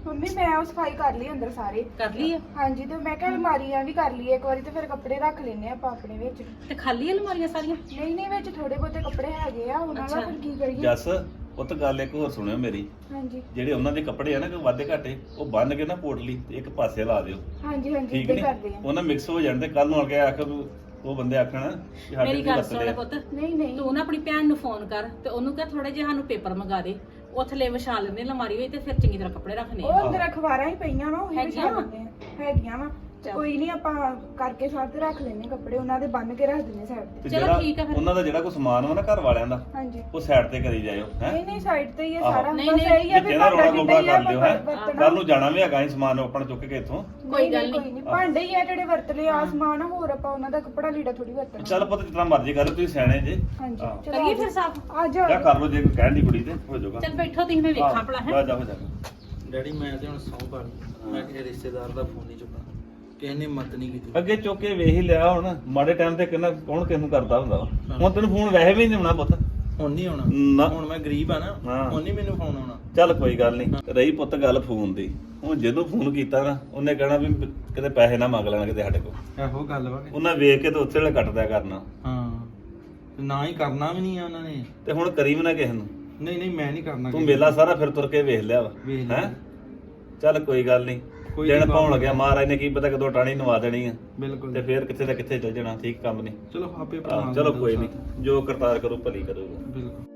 [SPEAKER 6] ਮੰਮੀ ਮੈਂ ਉਹ ਸਫਾਈ ਕਰ ਲਈ ਅੰਦਰ ਸਾਰੇ
[SPEAKER 4] ਕਰ ਲਈ ਆ
[SPEAKER 6] ਹਾਂਜੀ ਤੇ ਮੈਂ ਕਿਹਾ ਅਲਮਾਰੀਆਂ ਵੀ ਕਰ ਲਈ ਇੱਕ ਵਾਰੀ ਤੇ ਫਿਰ ਕੱਪੜੇ ਰੱਖ ਲੈਨੇ ਆਪਾਂ ਆਪਣੇ ਵਿੱਚ
[SPEAKER 4] ਤੇ ਖਾਲੀ ਅਲਮਾਰੀਆਂ ਸਾਰੀਆਂ?
[SPEAKER 6] ਨਹੀਂ ਵਿੱਚ ਥੋੜੇ ਬਹੁਤੇ ਕੱਪੜੇ ਹੈਗੇ ਆ ਉਹਨਾਂ ਦਾ ਫਿਰ ਕੀ ਕਰੀਏ
[SPEAKER 2] ਜੱਸ ਉਹ ਤਾਂ ਗੱਲ ਇੱਕ ਹੋਰ ਸੁਣਿਓ ਮੇਰੀ,
[SPEAKER 6] ਹਾਂਜੀ
[SPEAKER 2] ਜਿਹੜੇ ਉਹਨਾਂ ਦੇ ਕੱਪੜੇ ਆ ਨਾ ਕੋਈ ਵਾਧੇ ਘਾਟੇ ਉਹ ਬੰਨ ਕੇ ਨਾ ਪੋਟਲੀ ਤੇ ਇੱਕ ਪਾਸੇ ਲਾ ਦਿਓ,
[SPEAKER 6] ਹਾਂਜੀ
[SPEAKER 2] ਠੀਕ
[SPEAKER 6] ਇੱਦਾਂ
[SPEAKER 2] ਨਹੀਂ?
[SPEAKER 6] ਕਰਦੇ ਆ
[SPEAKER 2] ਉਹਨਾਂ ਮਿਕਸ ਹੋ ਜਾਣ ਤੇ ਕੱਲ ਨੂੰ ਆ ਕੇ ਆਖ ਉਹ ਬੰਦੇ ਆਖਣ ਕਿ ਸਾਡੇ
[SPEAKER 4] ਮੇਰੀ
[SPEAKER 2] ਵੀ
[SPEAKER 4] ਗੱਲ
[SPEAKER 2] ਵਰਤਦੇ
[SPEAKER 4] ਸੁਣ
[SPEAKER 2] ਆ।
[SPEAKER 4] ਪੁੱਤ,
[SPEAKER 6] ਨਹੀਂ
[SPEAKER 4] ਤੂੰ ਨਾ ਆਪਣੀ ਭੈਣ ਨੂੰ ਫੋਨ ਕਰ ਤੇ ਉਹਨੂੰ ਕਹ ਥੋੜੇ ਜਿਹਾ ਸਾਨੂੰ ਪੇਪਰ ਮੰਗਾ ਦੇ, ਉਹ ਥੱਲੇ ਵਿਛਾ ਲੈਂਦੇ ਅਲਮਾਰੀ ਵਿੱਚ ਤੇ ਫਿਰ ਚੰਗੀ ਤਰ੍ਹਾਂ ਕੱਪੜੇ ਰੱਖਣੇ ਆ।
[SPEAKER 6] ਉਹ ਅੰਦਰ ਅਖਬਾਰਾਂ ਹੀ ਪਈਆਂ ਵਾ ਉਹ
[SPEAKER 4] ਹੈਗੀਆਂ ਵਾ?
[SPEAKER 6] ਹੈਗੀਆਂ ਵਾ
[SPEAKER 4] ਚੱਲ।
[SPEAKER 6] ਕੋਈ ਨਹੀਂ ਆਪਾਂ ਕਰਕੇ ਸਾਥ ਤੇ ਰੱਖ ਲੈਨੇ ਕੱਪੜੇ ਉਹਨਾਂ ਦੇ ਬੰਨ ਕੇ ਰੱਖ ਦਿੰਨੇ ਸਾਈਡ ਤੇ
[SPEAKER 2] ਤੇ
[SPEAKER 4] ਚਲੋ
[SPEAKER 2] ਜਿਹੜਾ
[SPEAKER 4] ਠੀਕ ਆ ਫਿਰ।
[SPEAKER 2] ਉਹਨਾਂ ਦਾ ਜਿਹੜਾ ਕੋਈ ਸਮਾਨ ਵਾ ਨਾ ਘਰ ਵਾਲਿਆਂ ਦਾ
[SPEAKER 6] ਹਾਂਜੀ
[SPEAKER 2] ਉਹ ਸਾਈਡ ਤੇ ਕਰੀ ਜਾਇਓ ਹੈ
[SPEAKER 6] ਨਹੀਂ ਸਾਈਡ ਤੇ ਹੀ ਹੈ
[SPEAKER 2] ਆਹੋ।
[SPEAKER 6] ਸਾਰਾ
[SPEAKER 4] ਨਹੀਂ,
[SPEAKER 6] ਬਸ
[SPEAKER 4] ਨਹੀਂ,
[SPEAKER 6] ਇਹੀ ਆ ਵੀ
[SPEAKER 2] ਜਿਹੜਾ ਰੋਣਾ
[SPEAKER 6] ਭਾਂਡਾ
[SPEAKER 2] ਗੋਬਾ
[SPEAKER 6] ਜਿੱਦਾਂ
[SPEAKER 2] ਕਰ ਲਿਓ
[SPEAKER 6] ਹੀ
[SPEAKER 2] ਹੈ
[SPEAKER 6] ਆ ਵਰਤਣਾ।
[SPEAKER 2] ਕੱਲ ਨੂੰ ਜਾਣਾ ਵੀ ਹੈਗਾ ਅਸੀਂ ਸਮਾਨ ਆਪਣਾ ਚੁੱਕ ਕੇ ਇੱਥੋਂ।
[SPEAKER 6] ਕੋਈ ਗੱਲ ਨਹੀਂ ਭਾਂਡੇ ਹੀ ਆ ਜਿਹੜੇ ਵਰਤ ਲਏ ਆਸਮਾਨ ਆ, ਹੋਰ ਆਪਾਂ ਉਹਨਾਂ ਦਾ ਕੱਪੜਾ ਲੀੜਾ ਥੋੜੀ ਵਰਤਣਾ
[SPEAKER 2] ਚੱਲ ਪੁੱਤ ਜਿਤਨਾ ਮਰਜ਼ੀ ਕਰ ਤੁਸੀਂ ਸਿਆਣੇ ਜੇ
[SPEAKER 6] ਹਾਂਜੀ
[SPEAKER 2] ਹਾਂ।
[SPEAKER 6] ਚਲੋ
[SPEAKER 4] ਕਰੀਏ ਫਿਰ ਸਾਫ?
[SPEAKER 6] ਆ ਜਾਓ
[SPEAKER 2] ਜਾਂ ਕਰ ਲਓ ਜੇ ਕੋਈ ਕਹਿਣ ਦੀ ਕੁੜੀ ਤੇ ਹੋ ਜਾਊਗਾ।
[SPEAKER 4] ਚੱਲ ਬੈਠੋ ਤੁਸੀਂ, ਮੈਂ ਵੇਖਾਂ ਭਲਾ ਹੈ।
[SPEAKER 2] ਜਾ ਜਾ
[SPEAKER 3] ਡੈਡੀ ਮੈਂ ਤੇ ਹੁਣ ਸੌਂ ਪਾ ਲਈ ਮੈਂ ਕਿਸੇ ਰਿਸ਼ਤੇਦਾਰ ਦਾ ਫੋਨ ਨਹੀਂ ਚੁੱਕਣਾ, ਕਿਸੇ ਨੇ ਮਤ ਨਹੀਂ ਕੀਤੀ।
[SPEAKER 2] ਅੱਗੇ ਚੁੱਕ ਕੇ ਵੇਖ ਹੀ ਲਿਆ ਹੁਣ ਮਾੜੇ ਟਾਈਮ ਤੇ ਕਿੰਨਾ ਕੌਣ ਕਿਸ ਨੂੰ ਕਰਦਾ ਹੁੰਦਾ ਵਾ। ਹੁਣ ਤੈਨੂੰ ਫੋਨ ਵੈਸੇ ਵੀ ਨਹੀਂ ਆਉਣਾ ਪੁੱਤ।
[SPEAKER 3] ਹੁਣ ਨਹੀਂ ਆਉਣਾ,
[SPEAKER 2] ਨਾ।
[SPEAKER 3] ਹੁਣ ਮੈਂ ਗਰੀਬ ਆ ਨਾ,
[SPEAKER 2] ਹਾਂ।
[SPEAKER 3] ਹੁਣ ਨਹੀਂ ਮੈਨੂੰ ਫੋਨ ਆਉਣਾ।
[SPEAKER 2] ਚੱਲ ਕੋਈ ਗੱਲ ਨਹੀਂ, ਰਹੀ ਪੁੱਤ ਗੱਲ ਫੋਨ ਦੀ। ਹੁਣ ਜਦੋਂ ਫੋਨ ਕੀਤਾ ਨਾ ਉਹਨੇ ਕਹਿਣਾ ਵੀ ਕਿਤੇ ਪੈਸੇ ਨਾ ਮੰਗ ਲੈਣ ਕਿਤੇ ਸਾਡੇ ਕੋਲ।
[SPEAKER 3] ਇਹੋ ਗੱਲ ਵਾ
[SPEAKER 2] ਉਹਨਾਂ ਵੇਖ ਕੇ ਤੇ ਉੱਥੇ ਵੇਲੇ ਕੱਟ ਦਿਆ ਕਰਨਾ
[SPEAKER 3] ਹਾਂ, ਤੇ ਨਾ ਹੀ ਕਰਨਾ ਵੀ ਨਹੀਂ ਆ ਉਹਨਾਂ ਨੇ।
[SPEAKER 2] ਤੇ ਹੁਣ ਕਰੀ ਵੀ ਨਾ ਕਿਸੇ ਨੂੰ।
[SPEAKER 3] ਨਹੀਂ ਮੈਂ ਨਹੀਂ ਕਰਨਾ
[SPEAKER 2] ਤੂੰ
[SPEAKER 3] ਕਿਸੇ
[SPEAKER 2] ਮੇਲਾ ਸਾਰਾ ਫਿਰ ਤੁਰ ਕੇ ਵੇਖ ਲਿਆ ਵਾ
[SPEAKER 3] ਵੇਖ ਲਿਆ।
[SPEAKER 2] ਹੈ। ਚੱਲ ਕੋਈ ਗੱਲ ਨਹੀਂ,
[SPEAKER 3] ਕੋਈ
[SPEAKER 2] ਦਿਨ
[SPEAKER 3] ਨੀ
[SPEAKER 2] ਪਾਉਣ
[SPEAKER 3] ਬਾਬਾ।
[SPEAKER 2] ਲੱਗਿਆ ਮਹਾਰਾਜ ਨੇ ਕੀ ਪਤਾ ਕਦੋਂ ਟਾਣੀ ਨਵਾ ਦੇਣੀ ਆ
[SPEAKER 3] ਬਿਲਕੁਲ
[SPEAKER 2] ਤੇ ਫੇਰ ਕਿੱਥੇ ਦਾ ਕਿੱਥੇ ਚੱਲ ਜਾਣਾ। ਠੀਕ ਕੰਮ ਨਹੀਂ।
[SPEAKER 3] ਚਲੋ ਆਪੇ
[SPEAKER 2] ਚਲੋ ਕੋਈ ਨਹੀਂ, ਜੋ ਕਰਤਾਰ ਕਰੂ ਭਲੀ ਕਰੂਗਾ।
[SPEAKER 3] ਬਿਲਕੁਲ।